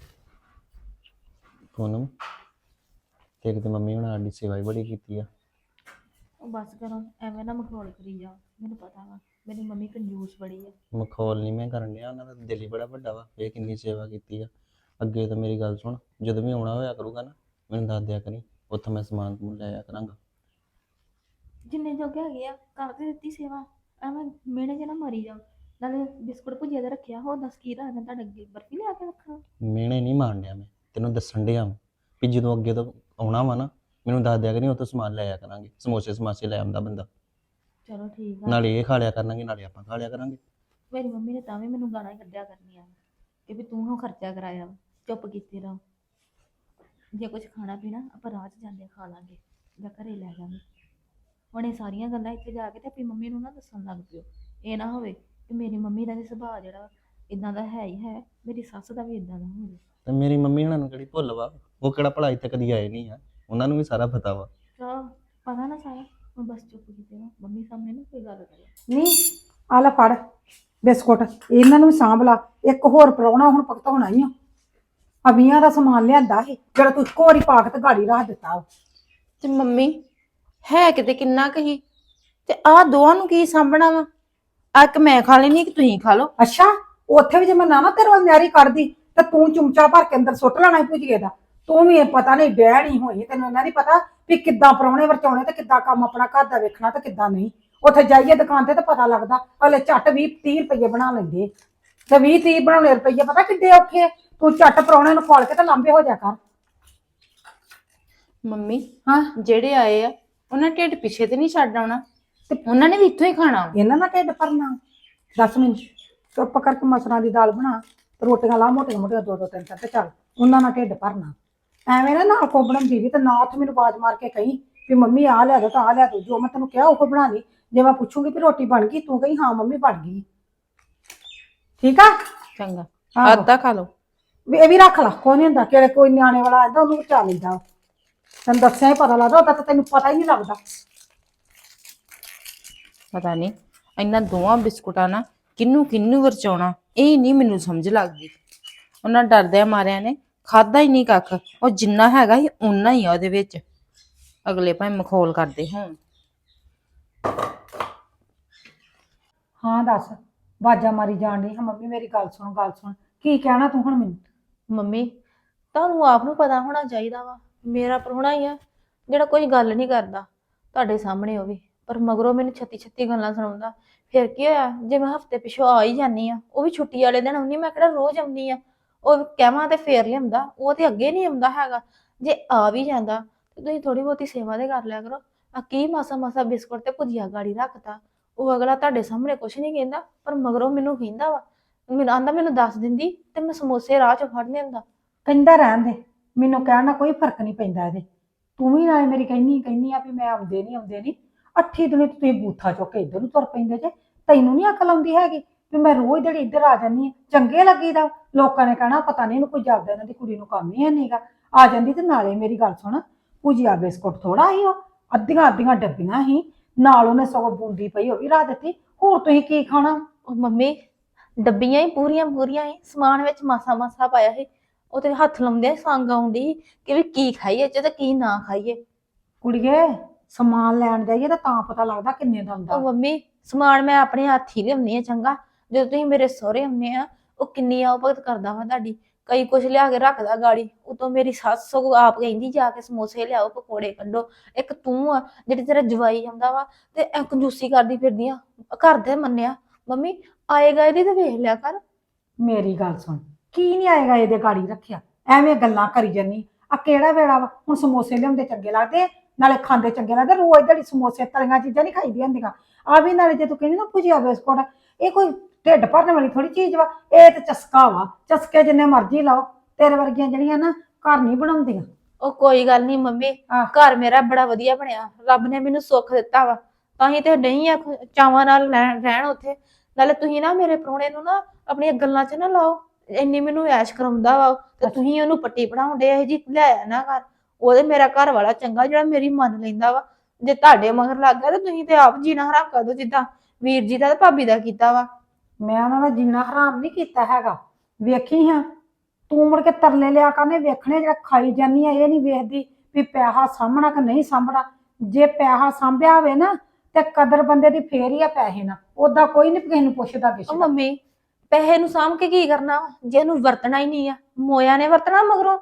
[SPEAKER 3] ਪੂਨਮ, ਤੇਰੀ ਤੇ ਮੰਮੀ ਹੁਣ ਸਾਡੀ ਸੇਵਾ ਹੀ ਬੜੀ ਕੀਤੀ ਆ।
[SPEAKER 4] ਉਹ ਬਸ ਕਰੋ, ਐਵੇਂ ਨਾ ਮਖੌਲ ਕਰੀ ਜਾਓ। ਮੈਨੂੰ ਪਤਾ ਵਾ ਮੇਰੀ ਮੰਮੀ ਕੰਜੂਸ ਬੜੀ ਆ।
[SPEAKER 3] ਮਖੌਲ ਨਹੀਂ ਮੈਂ ਕਰਨ ਡਿਆ, ਉਹਨਾਂ ਦਾ ਦਿਲ ਹੀ ਬੜਾ ਵੱਡਾ ਵਾ। ਇਹ ਕਿੰਨੀ ਸੇਵਾ ਕੀਤੀ ਆ। ਅੱਗੇ ਤਾਂ ਮੇਰੀ ਗੱਲ ਸੁਣ, ਜਦੋਂ ਵੀ ਆਉਣਾ ਹੋਇਆ ਕਰੂਗਾ ਨਾ, ਮੈਨੂੰ ਦੱਸ ਦਿਆ ਕਰੀ, ਉੱਥੋਂ ਮੈਂ ਸਮਾਨ ਸਮੂਨ ਲੈ ਆਇਆ ਕਰਾਂਗਾ।
[SPEAKER 4] ਜਿੰਨੇ ਜੋਗੇ ਹੈਗੇ ਆ ਕਰ ਤੇ ਦਿੱਤੀ ਸੇਵਾ, ਐਵੇਂ ਮਿਹਣੇ 'ਚ ਨਾ ਮਰੀ ਜਾਓ। ਨਾਲੇ ਬਿਸਕੁਟ ਭੁਜੀਆ ਦਾ ਰੱਖਿਆ, ਹੋਰ ਦੱਸ ਕੀ ਰੱਖਦਾ ਤੁਹਾਡੇ ਅੱਗੇ? ਬਰਫੀ ਲਿਆ ਕੇ ਰੱਖਣਾ।
[SPEAKER 3] ਮਿਹਣੇ ਨਹੀਂ ਮਾਰਨ ਡਿਆ ਮੈਂ, ਤੈਨੂੰ ਦੱਸਣ ਡਿਆ ਵਾਂ ਵੀ ਜਦੋਂ ਅੱਗੇ ਤੋਂ ਆਉਣਾ ਵਾ ਨਾ, ਮੈਨੂੰ ਦੱਸ ਦਿਆ ਕਰੀ, ਉੱਥੋਂ ਸਮਾਨ ਲੈ ਆਇਆ ਕਰਾਂਗੇ। ਸਮੋਸੇ ਸਮਾਸੇ ਲੈ ਆਉਂਦਾ ਬੰਦਾ,
[SPEAKER 4] ਚਲੋ ਠੀਕ ਆ।
[SPEAKER 3] ਨਾਲੇ ਇਹ ਖਾ ਲਿਆ ਕਰਾਂਗੇ, ਨਾਲੇ ਆਪਾਂ ਖਾ ਲਿਆ ਕਰਾਂਗੇ।
[SPEAKER 4] ਮੇਰੀ ਮੰਮੀ ਨੇ ਤਾਂ ਵੀ ਮੈਨੂੰ ਗਾਲਾਂ ਹੀ ਕੱਢਿਆ ਕਰਨੀਆਂ ਕਿ ਵੀ ਤੂੰ ਹਾਂ ਖਰਚਾ ਕਰਾਇਆ ਵਾ, ਚੁੱਪ ਕੀਤੇ ਰਹੋ। ਜੇ ਕੁਝ ਖਾਣਾ ਪੀਣਾ ਆਪਾਂ ਰਾਹ 'ਚ ਜਾਂਦੇ ਖਾ ਲਾਂਗੇ ਜਾਂ ਘਰੇ ਲੈ ਜਾਵਾਂਗੇ। ਹੁਣ ਇਹ ਸਾਰੀਆਂ ਗੱਲਾਂ ਇੱਥੇ ਜਾ ਕੇ ਤੇ ਆਪਣੀ ਮੰਮੀ ਨੂੰ ਨਾ ਦੱਸਣ ਲੱਗ ਪਿਓ। ਇਹ ਨਾ ਹੋਵੇ ਕਿ ਮੇਰੀ ਮੰਮੀ ਦਾ ਵੀ ਸੁਭਾਅ ਜਿਹੜਾ ਇਦਾਂ ਦਾ ਹੈ ਹੀ ਹੈ, ਮੇਰੀ ਸੱਸ ਦਾ ਵੀ ਇਦਾਂ ਦਾ ਹੋਵੇ।
[SPEAKER 3] ਤੇ ਮੇਰੀ ਮੰਮੀ ਹੁਣਾਂ ਨੂੰ ਕਿਹੜੀ ਭੁੱਲ ਵਾ? ਉਹ ਕਿਹੜਾ ਭਲਾ ਇੱਥੇ ਕਦੀ ਆਏ ਨਹੀਂ ਆ, ਉਹਨਾਂ ਨੂੰ ਵੀ ਸਾਰਾ ਪਤਾ ਵਾ।
[SPEAKER 4] ਚਲੋ ਪਤਾ ਨਾ ਸਾਰਾ, ਹੁਣ ਬਸ ਚੁੱਪ ਕੀਤੇ ਰਹੋ। ਮੰਮੀ ਸਾਹਮਣੇ ਨਾ ਕੋਈ ਗੱਲ ਕਰੇ।
[SPEAKER 2] ਨਹੀਂ, ਆ ਲੈ ਫੜ ਬਿਸਕੁਟ, ਇਹਨਾਂ ਨੂੰ ਵੀ ਸਾਂਭ ਲਾ। ਇੱਕ ਹੋਰ ਪ੍ਰਾਹੁਣਾ ਹੁਣ ਭੁਗਤਾਉਣਾ ਹੀ ਆ। ਅਮੀਆਂ ਦਾ ਸਮਾਨ ਲਿਆਂਦਾ ਸੀ ਜਿਹੜਾ ਤੂੰ ਇੱਕੋ ਵਾਰੀ ਪਾ ਕੇ ਤੇ ਗਾੜੀ ਰੱਖ ਦਿੱਤਾ ਵਾ।
[SPEAKER 1] ਤੇ ਮੰਮੀ ਹੈ ਕਿਤੇ ਕਿੰਨਾ ਕਹੀ, ਤੇ ਆਹ ਦੋਵਾਂ ਨੂੰ ਕੀ ਸਾਂਭਣਾ ਵਾ? ਆ ਇੱਕ ਮੈਂ ਖਾ ਲੈਣੀ, ਕਿ ਤੁਸੀਂ ਖਾ ਲਓ।
[SPEAKER 2] ਅੱਛਾ, ਉੱਥੇ ਵੀ ਜੇ ਮੈਂ ਨਾ ਨਾ ਤੇਰੇ ਵੱਲ ਨਿਆਰੀ ਕੱਢਦੀ ਤੇ ਤੂੰ ਚੁੰਮਚਾ ਭਰ ਕੇ ਅੰਦਰ ਸੁੱਟ ਲੈਣਾ ਭੁਜੀਏ ਦਾ। ਤੂੰ ਵੀ ਇਹ ਪਤਾ ਨਹੀਂ ਡਹਿ ਨਹੀਂ ਹੋਈ, ਤੈਨੂੰ ਇਹਨਾਂ ਨਹੀਂ ਪਤਾ ਵੀ ਕਿੱਦਾਂ ਪ੍ਰਾਹੁਣੇ ਵਰਚਾਉਣੇ ਤੇ ਕਿੱਦਾਂ ਕੰਮ ਆਪਣਾ ਘਰ ਦਾ ਵੇਖਣਾ ਤੇ ਕਿੱਦਾਂ ਨਹੀਂ। ਉੱਥੇ ਜਾਈਏ ਦੁਕਾਨ ਤੇ ਤਾਂ ਪਤਾ ਲੱਗਦਾ, ਹਲੇ ਝੱਟ ਵੀਹ ਤੀਹ ਰੁਪਈਏ ਬਣਾ ਲੈਂਦੇ ਤੇ ਵੀਹ ਤੀਹ ਬਣਾਉਣੇ ਰੁਪਈਏ ਪਤਾ ਕਿੱਡੇ ਔਖੇ। ਤੂੰ ਝੱਟ ਪ੍ਰਾਹੁਣੇ ਨੂੰ ਖੋਲ ਕੇ ਤੇ ਲਾਂਬੇ ਹੋ ਜਾ ਕਰ।
[SPEAKER 1] ਮੰਮੀ
[SPEAKER 2] ਹਾਂ,
[SPEAKER 1] ਜਿਹੜੇ ਆਏ ਆ ਉਹਨਾਂ ਢਿੱਡ ਪਿੱਛੇ ਤੇ ਨਹੀਂ ਛੱਡ ਆਉਣਾ, ਤੇ ਉਹਨਾਂ ਨੇ ਵੀ ਇੱਥੋਂ ਹੀ ਖਾਣਾ ਵਾ।
[SPEAKER 2] ਇਹਨਾਂ ਨਾਲ ਢਿੱਡ ਭਰਨਾ? ਦਸ ਮਿੰਟ ਚੁੱਪ ਕਰਕੇ ਮਸਰਾਂ ਦੀ ਦਾਲ ਬਣਾ ਤੇ ਰੋਟੀਆਂ ਲਾ ਮੋਟੀਆਂ ਮੋਟੀਆਂ ਦੋ ਦੋ ਤਿੰਨ ਤਿੰਨ ਤੇ ਚੱਲ, ਉਹਨਾਂ ਨਾਲ ਢਿੱਡ ਭਰਨਾ। ਐਵੇਂ ਨਾ ਨਾਲ ਕੋ ਬਣਾਉਂਦੀ ਵੀ ਤੇ ਨਾ ਉੱਥੇ ਮੈਨੂੰ ਆਵਾਜ਼ ਮਾਰ ਕੇ ਕਹੀਂ ਵੀ ਮੰਮੀ ਆਹ ਲਿਆ ਦੋ ਤਾਂ ਆਹ ਲਿਆ ਦੋ। ਜੋ ਮੈਂ ਤੈਨੂੰ ਕਿਹਾ ਉਹ ਬਣਾ ਲਈ। ਜੇ ਮੈਂ ਪੁੱਛੂਗੀ ਵੀ ਰੋਟੀ ਬਣ ਗਈ, ਤੂੰ ਕਹੀਂ ਹਾਂ ਮੰਮੀ ਬਣ ਗਈ। ਠੀਕ ਆ?
[SPEAKER 1] ਚੰਗਾ,
[SPEAKER 2] ਆਹੋ।
[SPEAKER 1] ਅੱਧਾ ਖਾ ਲਓ।
[SPEAKER 2] ਵੀ ਇਹ ਵੀ ਰੱਖ ਲਾ, ਕੋਈ ਨਹੀਂ ਹੁੰਦਾ ਕਿਹੜੇ ਕੋਈ ਨਿਆਣੇ ਵਾਲਾ ਆਂਦਾ ਉਹਨੂੰ ਬਚਾ ਲੈਂਦਾ। ਤੈਨੂੰ ਦੱਸਿਆ ਹੀ ਪਤਾ ਲੱਗਦਾ, ਉਹਦਾ ਤਾਂ ਤੈਨੂੰ ਪਤਾ ਹੀ ਨਹੀਂ ਲੱਗਦਾ।
[SPEAKER 1] ਪਤਾ ਨਹੀਂ ਇਹਨਾਂ ਦੋਵਾਂ ਬਿਸਕੁਟਾਂ ਨਾਲ ਕਿਹਨੂੰ ਕਿਹਨੂੰ ਵਰਚਾਉਣਾ, ਇਹ ਨਹੀਂ ਮੈਨੂੰ ਸਮਝ ਲੱਗਦੀ। ਉਹਨਾਂ ਡਰਦਿਆਂ ਮਾਰਿਆਂ ਨੇ ਖਾਦਾ ਹੀ ਨਹੀਂ ਕੱਖ। ਉਹ ਜਿੰਨਾ ਹੈਗਾ ਸੀ ਓਨਾ ਹੀ ਆ ਉਹਦੇ ਵਿੱਚ, ਅਗਲੇ ਭਾਵੇਂ ਮਖੌਲ ਕਰਦੇ ਹੋਣ।
[SPEAKER 2] ਹਾਂ ਦੱਸ, ਬਾਜਾ ਮਾਰੀ ਜਾਣ ਡਈ ਹਾਂ ਮੰਮੀ ਮੇਰੀ ਗੱਲ ਸੁਣ ਗੱਲ ਸੁਣ। ਕੀ ਕਹਿਣਾ ਤੂੰ ਹੁਣ ਮੈਨੂੰ?
[SPEAKER 4] ਮੰਮੀ ਤੁਹਾਨੂੰ ਆਪ ਨੂੰ ਪਤਾ ਹੋਣਾ ਚਾਹੀਦਾ ਵਾ, ਮੇਰਾ ਪ੍ਰਾਹੁਣਾ ਹੀ ਆ ਜਿਹੜਾ ਕੋਈ ਗੱਲ ਨਹੀਂ ਕਰਦਾ ਤੁਹਾਡੇ ਸਾਹਮਣੇ ਉਹ ਵੀ, ਪਰ ਮਗਰੋਂ ਮੈਨੂੰ ਛੱਤੀ ਛੱਤੀ ਗੱਲਾਂ ਸੁਣਾਉਂਦਾ। ਫਿਰ ਕੀ ਹੋਇਆ ਜੇ ਮੈਂ ਹਫਤੇ ਪਿਛੋਂ ਆ ਹੀ ਜਾਂਦੀ ਆ, ਉਹ ਵੀ ਛੁੱਟੀ ਵਾਲੇ ਦਿਨ ਆਉਂਦੀ, ਮੈਂ ਕਿਹੜਾ ਰੋਜ਼ ਆਉਂਦੀ ਆ। ਉਹ ਕਹਿਵਾਂ ਤੇ ਫੇਰ ਲਿਆਉਂਦਾ, ਉਹ ਤੇ ਅੱਗੇ ਨਹੀਂ ਆਉਂਦਾ ਹੈਗਾ। ਜੇ ਆ ਵੀ ਜਾਂਦਾ ਤੇ ਤੁਸੀਂ ਥੋੜੀ ਬਹੁਤੀ ਸੇਵਾ ਦੇ ਕਰ ਲਿਆ ਕਰੋ। ਆ ਕੀ ਮਾਸਾ ਮਾਸਾ ਬਿਸਕੁਟ ਤੇ ਭੁਜੀਆ ਗਾੜੀ ਰੱਖਤਾ, ਉਹ ਅਗਲਾ ਤੁਹਾਡੇ ਸਾਹਮਣੇ ਕੁਛ ਨਹੀਂ ਕਹਿੰਦਾ, ਪਰ ਮਗਰੋਂ ਮੈਨੂੰ ਕਹਿੰਦਾ ਵਾ, ਮੈਨੂੰ ਆਂਦਾ ਮੈਨੂੰ ਦੱਸ ਦਿੰਦੀ ਤੇ ਮੈਂ ਸਮੋਸੇ ਰਾਹ ਚੋਂ ਫੜ ਲਿਆਂਦਾ।
[SPEAKER 2] ਕਹਿੰਦਾ ਰਹਿਣ ਦੇ, ਮੈਨੂੰ ਕਹਿਣ ਨਾਲ ਕੋਈ ਫਰਕ ਨਹੀਂ ਪੈਂਦਾ ਇਹਦੇ। ਤੂੰ ਵੀ ਨਾਲੇ ਮੇਰੀ ਕਹਿੰਨੀ ਕਹਿੰਨੀ ਆ ਵੀ ਮੈਂ ਆਉਂਦੇ ਨਹੀਂ ਆਉਂਦੇ ਨਹੀਂ, ਅੱਠੀ ਦਿਨੇ ਤੁਸੀਂ ਬੂਥਾ ਚੁੱਕ ਕੇ ਇੱਧਰ ਨੂੰ ਤੁਰ ਪੈਂਦੇ ਜੇ। ਤੈਨੂੰ ਨਹੀਂ ਅਕਲ ਆਉਂਦੀ ਹੈਗੀ ਵੀ ਮੈਂ ਰੋਜ਼ ਜਿਹੜੀ ਇੱਧਰ ਆ ਜਾਂਦੀ ਆ, ਚੰਗੇ ਲੱਗੀਦਾ। ਲੋਕਾਂ ਨੇ ਕਹਿਣਾ ਪਤਾ ਨਹੀਂ ਇਹਨੂੰ ਕੋਈ ਜਾਪਦਾ, ਇਹਨਾਂ ਦੀ ਕੁੜੀ ਨੂੰ ਕੰਮ ਹੀ ਹੈ ਨਹੀਂਗਾ। ਆ ਜਾਂਦੀ ਤੇ ਨਾਲੇ ਮੇਰੀ ਗੱਲ ਸੁਣ, ਭੁਜੀਆ ਬਿਸਕੁਟ ਥੋੜਾ ਹੀ ਉਹ ਅੱਧੀਆਂ ਅੱਧੀਆਂ ਡੱਬੀਆਂ ਹੀ, ਨਾਲ ਉਹਨੇ ਸਗੋਂ ਬੂੰਦੀ ਪਈ ਉਹ ਵੀ ਰਾ ਦਿੱਤੀ। ਹੋਰ ਤੁਸੀਂ ਕੀ ਖਾਣਾ?
[SPEAKER 4] ਉਹ ਮੰਮੀ ਡੱਬੀਆਂ ਹੀ ਪੂਰੀਆਂ ਪੂਰੀਆਂ ਹੀ, ਸਮਾਨ ਵਿੱਚ ਮਾਸਾ ਮਾਸਾ ਪਾਇਆ ਸੀ। ਉਹ ਤੇ ਹੱਥ ਲਾਉਂਦੇ ਸੰਗ ਆਉਂਦੀ ਕਿ ਵੀ ਕੀ ਖਾਈਏ ਚ ਤੇ ਕੀ ਨਾ ਖਾਈਏ।
[SPEAKER 2] ਕੁੜੀਏ ਸਮਾਨ ਲੈਣ ਜਾਈਏ ਤਾਂ ਤਾਂ ਪਤਾ ਲੱਗਦਾ ਕਿੰਨੇ ਦਾ ਹੁੰਦਾ।
[SPEAKER 4] ਉਹ ਮੰਮੀ ਸਮਾਨ ਮੈਂ ਆਪਣੇ ਹੱਥ ਹੀ ਲਿਆਉਣੀ ਆ ਚੰਗਾ। ਜਦੋਂ ਤੁਸੀਂ ਮੇਰੇ ਸਹੁਰੇ ਆਉਂਦੇ ਆ, ਉਹ ਕਿੰਨੀ ਆਓ ਭਗਤ ਕਰਦਾ ਵਾ ਤੁਹਾਡੀ, ਕਈ ਕੁਛ ਲਿਆ ਕੇ ਰੱਖਦਾ ਗਾੜੀ। ਉਤੋਂ ਮੇਰੀ ਸੱਸ ਸਗੋਂ ਆਪ ਕਹਿੰਦੀ ਜਾ ਕੇ ਸਮੋਸੇ ਲਿਆਓ, ਪਕੌੜੇ ਕੱਢੋ। ਇੱਕ ਤੂੰ ਆ ਜਿਹੜੀ ਤੇਰਾ ਜਵਾਈ ਆਉਂਦਾ ਵਾ ਤੇ ਐ ਕੰਜੂਸੀ ਕਰਦੀ ਫਿਰਦੀ ਆ, ਘਰ ਦੇ ਮੰਨਿਆ। ਮੰਮੀ ਆਏਗਾ ਇਹਦੀ ਤੇ ਵੇਖ ਲਿਆ ਕਰ।
[SPEAKER 2] ਮੇਰੀ ਗੱਲ ਸੁਣ, ਕੀ ਨਹੀਂ ਆਏਗਾ ਇਹਦੇ ਗਾੜੀ ਰੱਖਿਆ, ਐਵੇਂ ਗੱਲਾਂ ਕਰੀ ਜਾਨੀ। ਆ ਕਿਹੜਾ ਵੇੜਾ ਵਾ ਹੁਣ ਸਮੋਸੇ ਲਿਆਉਂਦੇ ਚੰਗੇ ਲੱਗਦੇ, ਨਾਲੇ ਖਾਂਦੇ ਚੰਗੇ ਲੱਗਦੇ। ਰੋਜ਼ ਦਿਹਾੜੀ ਸਮੋਸੇ ਤਲੀਆਂ ਚੀਜ਼ਾਂ ਨਹੀਂ ਖਾਈਦੀਆਂ ਹੁੰਦੀਆਂ। ਆ ਵੀ ਨਾਲੇ ਜੇ ਤੂੰ ਕਹਿੰਦੀ ਨਾ ਭੁਜੀਆ ਬਿਸਕੁਟ, ਇਹ ਕੋਈ ਢਿੱਡ ਭਰਨ ਵਾਲੀ ਥੋੜੀ ਚੀਜ਼ ਵਾ, ਇਹ ਤੇ ਚਸਕਾ ਵਾ। ਚਸਕੇ ਜਿੰਨੇ ਮਰਜ਼ੀ ਲਾਓ, ਤੇਰੇ ਵਰਗੀਆਂ ਜਿਹੜੀਆਂ ਨਾ ਘਰ ਨਹੀਂ ਬਣਾਉਂਦੀਆਂ।
[SPEAKER 4] ਉਹ ਕੋਈ ਗੱਲ ਨਹੀਂ ਮੰਮੀ,
[SPEAKER 2] ਆਹ।
[SPEAKER 4] ਘਰ ਮੇਰਾ ਬੜਾ ਵਧੀਆ ਬਣਿਆ, ਰੱਬ ਨੇ ਮੈਨੂੰ ਸੁੱਖ ਦਿੱਤਾ ਵਾ, ਤਾਂ ਹੀ ਤੇ ਨਹੀਂ ਆ ਚਾਵਾਂ ਨਾਲ ਰਹਿਣ ਰਹਿਣ ਉੱਥੇ। ਨਾਲੇ ਤੁਸੀਂ ਨਾ ਮੇਰੇ ਪ੍ਰਾਹੁਣੇ ਨੂੰ ਨਾ ਆਪਣੀਆਂ ਗੱਲਾਂ 'ਚ ਨਾ ਲਾਓ, ਇੰਨੀ ਮੈਨੂੰ ਐਸ਼ ਕਰਾਉਂਦਾ ਵਾ ਤੇ ਤੁਸੀਂ ਉਹਨੂੰ ਪੱਟੀ ਪੜਾਉਂਦੇ ਇਹ ਜੀ ਲਿਆਇਆ ਨਾ ਕਰ। ਉਹਦੇ ਮੇਰਾ ਘਰ ਵਾਲਾ ਚੰਗਾ ਜਿਹੜਾ ਮੇਰੀ ਮੰਨ ਲੈਂਦਾ ਵਾ। ਜੇ ਤੁਹਾਡੇ ਮਗਰ ਲੱਗ ਗਿਆ ਤੇ ਤੁਸੀਂ ਤੇ ਆਪ ਜੀਣਾ ਹਰਾਮ ਕਰ ਦੋ, ਜਿੱਦਾਂ ਵੀਰ ਜੀ ਦਾ ਤੇ ਭਾਬੀ ਦਾ ਕੀਤਾ ਵਾ।
[SPEAKER 2] ਮੈਂ ਉਹਨਾਂ ਦਾ ਜੀਣਾ ਹਰਾਮ ਨਹੀਂ ਕੀਤਾ ਹੈਗਾ। ਵੇਖੀ ਹਾਂ ਤੂੰ ਮੁੜ ਕੇ ਤਰਲੇ ਲਿਆ ਕਰਨੇ ਵੇਖਣੇ, ਜਿਹੜਾ ਖਾਈ ਜਾਨੀ ਆ ਇਹ ਨਹੀਂ ਵੇਖਦੀ ਵੀ ਪੈਸਾ ਸਾਂਭਣਾ ਕਿ ਨਹੀਂ ਸਾਂਭਣਾ। ਜੇ ਪੈਸਾ ਸਾਂਭਿਆ ਹੋਵੇ ਨਾ ਤੇ ਕਦਰ ਬੰਦੇ ਦੀ ਫੇਰ ਹੀ ਆ ਪੈਸੇ ਨਾਲ, ਓਦਾਂ ਕੋਈ ਨਹੀਂ ਕਿਸੇ ਨੂੰ ਪੁੱਛਦਾ
[SPEAKER 4] ਉਹ
[SPEAKER 2] ਕਿਸੇ।
[SPEAKER 4] ਮੰਮੀ ਪੈਸੇ ਨੂੰ ਸਾਂਭ ਕੇ ਕੀ ਕਰਨਾ ਵਾ, ਜੇ ਇਹਨੂੰ ਵਰਤਣਾ ਹੀ ਨਹੀਂ ਆ, ਮੋਇਆ ਨੇ ਵਰਤਣਾ ਮਗਰੋਂ।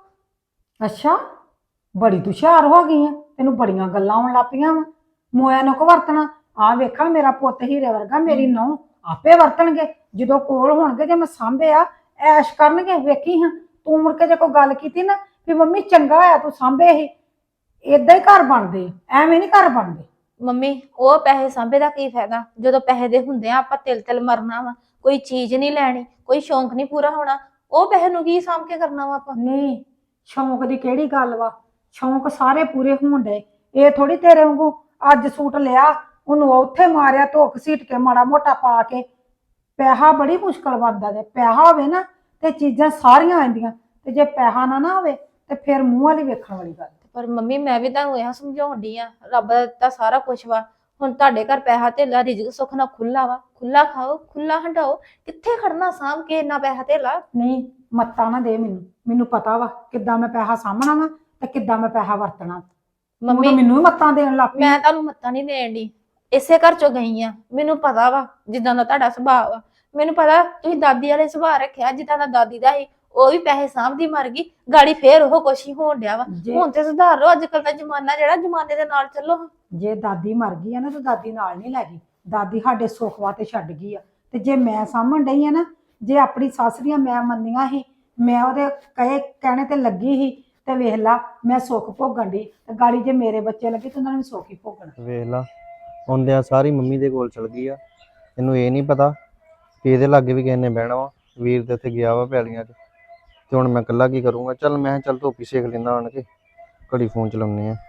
[SPEAKER 2] ਅੱਛਾ ਬੜੀ ਤੂੰ ਹੁਸ਼ਿਆਰ ਹੋ ਗਈ ਆ, ਤੈਨੂੰ ਬੜੀਆਂ ਗੱਲਾਂ ਆਉਣ ਲੱਗ ਪਈਆਂ ਵਾ। ਮੋਇਆ ਨੂੰ ਕੋ ਵਰਤਣਾ? ਆ ਵੇਖਾਂ ਮੇਰਾ ਪੁੱਤ ਹੀਰੇ ਵਰਗਾ, ਮੇਰੀ ਨੂੰਹ ਆਪੇ ਵਰਤਣਗੇ ਜਦੋਂ ਕੋਲ ਹੋਣਗੇ। ਜੇ ਮੈਂ ਸਾਂਭਿਆ ਐਸ਼ ਕਰਨਗੇ। ਵੇਖੀ ਹਾਂ ਤੂੰ ਮੁੜ ਕੇ ਜੇ ਕੋਈ ਗੱਲ ਕੀਤੀ ਨਾ ਵੀ ਮੰਮੀ ਚੰਗਾ ਹੋਇਆ ਤੂੰ ਸਾਂਭੇ ਹੀ, ਏਦਾਂ ਹੀ ਘਰ ਬਣਦੇ, ਐਵੇਂ ਨਹੀਂ ਘਰ ਬਣਦੇ।
[SPEAKER 4] ਮੰਮੀ ਉਹ ਪੈਸੇ ਸਾਂਭੇ ਦਾ ਕੀ ਫਾਇਦਾ, ਜਦੋਂ ਪੈਸੇ ਦੇ ਹੁੰਦੇ ਆ ਆਪਾਂ ਤਿਲ ਤਿਲ ਮਰਨਾ ਵਾ, ਕੋਈ ਚੀਜ਼ ਨਹੀਂ ਲੈਣੀ, ਕੋਈ ਸ਼ੌਂਕ ਨਹੀਂ ਪੂਰਾ ਹੋਣਾ, ਉਹ ਪੈਸੇ ਨੂੰ ਕੀ ਸਾਂਭ ਕੇ ਕਰਨਾ ਵਾ ਆਪਾਂ।
[SPEAKER 2] ਨਹੀਂ ਸ਼ੌਂਕ ਦੀ ਕਿਹੜੀ ਗੱਲ ਵਾ, ਸ਼ੌਂਕ ਸਾਰੇ ਪੂਰੇ ਹੋਣ ਡੇ। ਇਹ ਥੋੜੀ ਤੇਰੇ ਵਾਂਗੂ ਅੱਜ ਸੂਟ ਲਿਆ ਉਹਨੂੰ ਉੱਥੇ ਮਾਰਿਆ ਧੋਕ ਸੀਟ ਕੇ ਮਾੜਾ ਮੋਟਾ ਪਾ ਕੇ। ਪੈਸਾ ਬੜੀ ਮੁਸ਼ਕਲ ਬਣਦਾ, ਜੇ ਪੈਸਾ ਹੋਵੇ ਨਾ ਤੇ ਚੀਜ਼ਾਂ ਸਾਰੀਆਂ ਆਉਂਦੀਆਂ, ਤੇ ਜੇ ਪੈਸਾ ਨਾ ਨਾ ਹੋਵੇ ਤੇ ਫਿਰ ਮੂੰਹ ਵਾਲੀ ਵੇਖਣ ਵਾਲੀ ਗੱਲ।
[SPEAKER 4] ਪਰ ਮੰਮੀ ਮੈਂ ਵੀ ਤੁਹਾਨੂੰ ਇਹ ਸਮਝਾਉਣ ਡਈ ਆ, ਰੱਬ ਦਾ ਦਿੱਤਾ ਸਾਰਾ ਕੁਛ ਵਾ। ਹੁਣ ਤੁਹਾਡੇ ਘਰ ਪੈਸਾ ਧੇਲਾ ਰਿਜ਼ਕ ਸੁੱਖ ਨਾਲ ਖੁੱਲਾ ਵਾ, ਖੁੱਲਾ ਖਾਓ ਖੁੱਲਾ ਹੰਡਾਓ, ਕਿੱਥੇ ਖੜਨਾ ਸਾਂਭ ਕੇ ਇੰਨਾ ਪੈਸਾ ਧੇਲਾ।
[SPEAKER 2] ਨਹੀਂ ਮੱਤਾ ਨਾ ਦੇ ਮੈਨੂੰ, ਮੈਨੂੰ ਪਤਾ ਵਾ ਕਿੱਦਾਂ ਮੈਂ ਪੈਸਾ ਸਾਂਭਣਾ ਵਾ ਤੇ ਕਿੱਦਾਂ ਮੈਂ ਪੈਸਾ ਵਰਤਣਾ।
[SPEAKER 4] ਮੰਮੀ
[SPEAKER 2] ਮੈਨੂੰ ਵੀ ਮੱਤਾਂ ਦੇਣ ਲੱਗ ਪਈ।
[SPEAKER 4] ਮੈਂ ਤੁਹਾਨੂੰ ਮੱਤਾਂ ਨਹੀਂ ਦੇਣ ਦੀ, ਇਸੇ ਘਰ ਚੋਂ ਗਈ ਆ, ਮੈਨੂੰ ਪਤਾ ਵਾ ਜਿੱਦਾਂ ਦਾ ਤੁਹਾਡਾ ਸੁਭਾਅ ਵਾ। ਮੈਨੂੰ ਪਤਾ ਤੁਸੀਂ ਦਾਦੀ ਵਾਲੇ ਸੁਭਾਅ ਰੱਖਿਆ, ਜਿੱਦਾਂ ਦਾ ਦਾਦੀ ਦਾ ਸੀ। ਉਹ ਵੀ ਪੈਸੇ ਸਾਂਭਦੀ ਮਰ ਗਈ, ਗਾੜੀ ਫੇਰ ਉਹ ਕੁਛ ਹੀ ਹੋਣ ਡਿਆ ਵਾ।
[SPEAKER 2] ਜੇ-
[SPEAKER 4] ਹੁਣ ਤੇ ਸੁਧਾਰ ਲਓ, ਅੱਜ ਕੱਲ ਦਾ ਜ਼ਮਾਨਾ ਜਿਹੜਾ, ਜ਼ਮਾਨੇ ਦੇ ਨਾਲ ਚੱਲੋ।
[SPEAKER 2] ਜੇ ਦਾਦੀ ਮਰ ਗਈ ਆ ਨਾ ਤਾਂ ਦਾਦੀ ਨਾਲ ਨਹੀਂ ਲੈ ਗਈ, ਦਾਦੀ ਸਾਡੇ ਸੁੱਖ ਵਾਸਤੇ ਛੱਡ ਗਈ ਆ। ਤੇ ਜੇ ਮੈਂ ਸਾਂਭਣ ਡਈ ਆ ਨਾ, ਜੇ ਆਪਣੀ ਸੱਸ ਦੀਆਂ ਮੈਂ ਮੰਨੀਆਂ ਸੀ, ਮੈਂ ਉਹਦੇ ਕਹੇ ਕਹਿਣੇ ਤੇ ਲੱਗੀ ਸੀ, ਤੇ ਵੇਖ ਲਾ ਮੈਂ ਸੁੱਖ ਭੋਗਣ ਦੀ, ਤੇ ਗਾੜੀ ਜੇ ਮੇਰੇ ਬੱਚੇ ਲੱਗੇ ਤੇ ਉਹਨਾਂ ਨੇ ਵੀ ਸੁੱਖ ਹੀ ਭੋਗਣਾ।
[SPEAKER 3] ਵੇਖ ਲਾ ਹੁੰਦਿਆਂ ਸਾਰੀ ਮੰਮੀ ਦੇ ਕੋਲ ਚਲ ਗਈ ਆ। ਇਹਨੂੰ ਇਹ ਨਹੀਂ ਪਤਾ ਕਿ ਇਹਦੇ ਲਾਗੇ ਵੀ ਕਿਸੇ ਨੇ ਬਹਿਣਾ ਵਾ। ਵੀਰ ਦੇ ਉੱਥੇ ਗਿਆ ਵਾ ਪੈਲੀਆਂ 'ਚ, ਤੇ ਹੁਣ ਮੈਂ ਇਕੱਲਾ ਕੀ ਕਰੂੰਗਾ। ਚੱਲ ਮੈਂ ਕਿਹਾ ਚੱਲ ਧੋਪੀ ਸੇਕ ਲੈਂਦਾ ਆਣ ਕੇ, ਘੜੀ ਫੋਨ ਚਲਾਉਂਦੇ ਆ।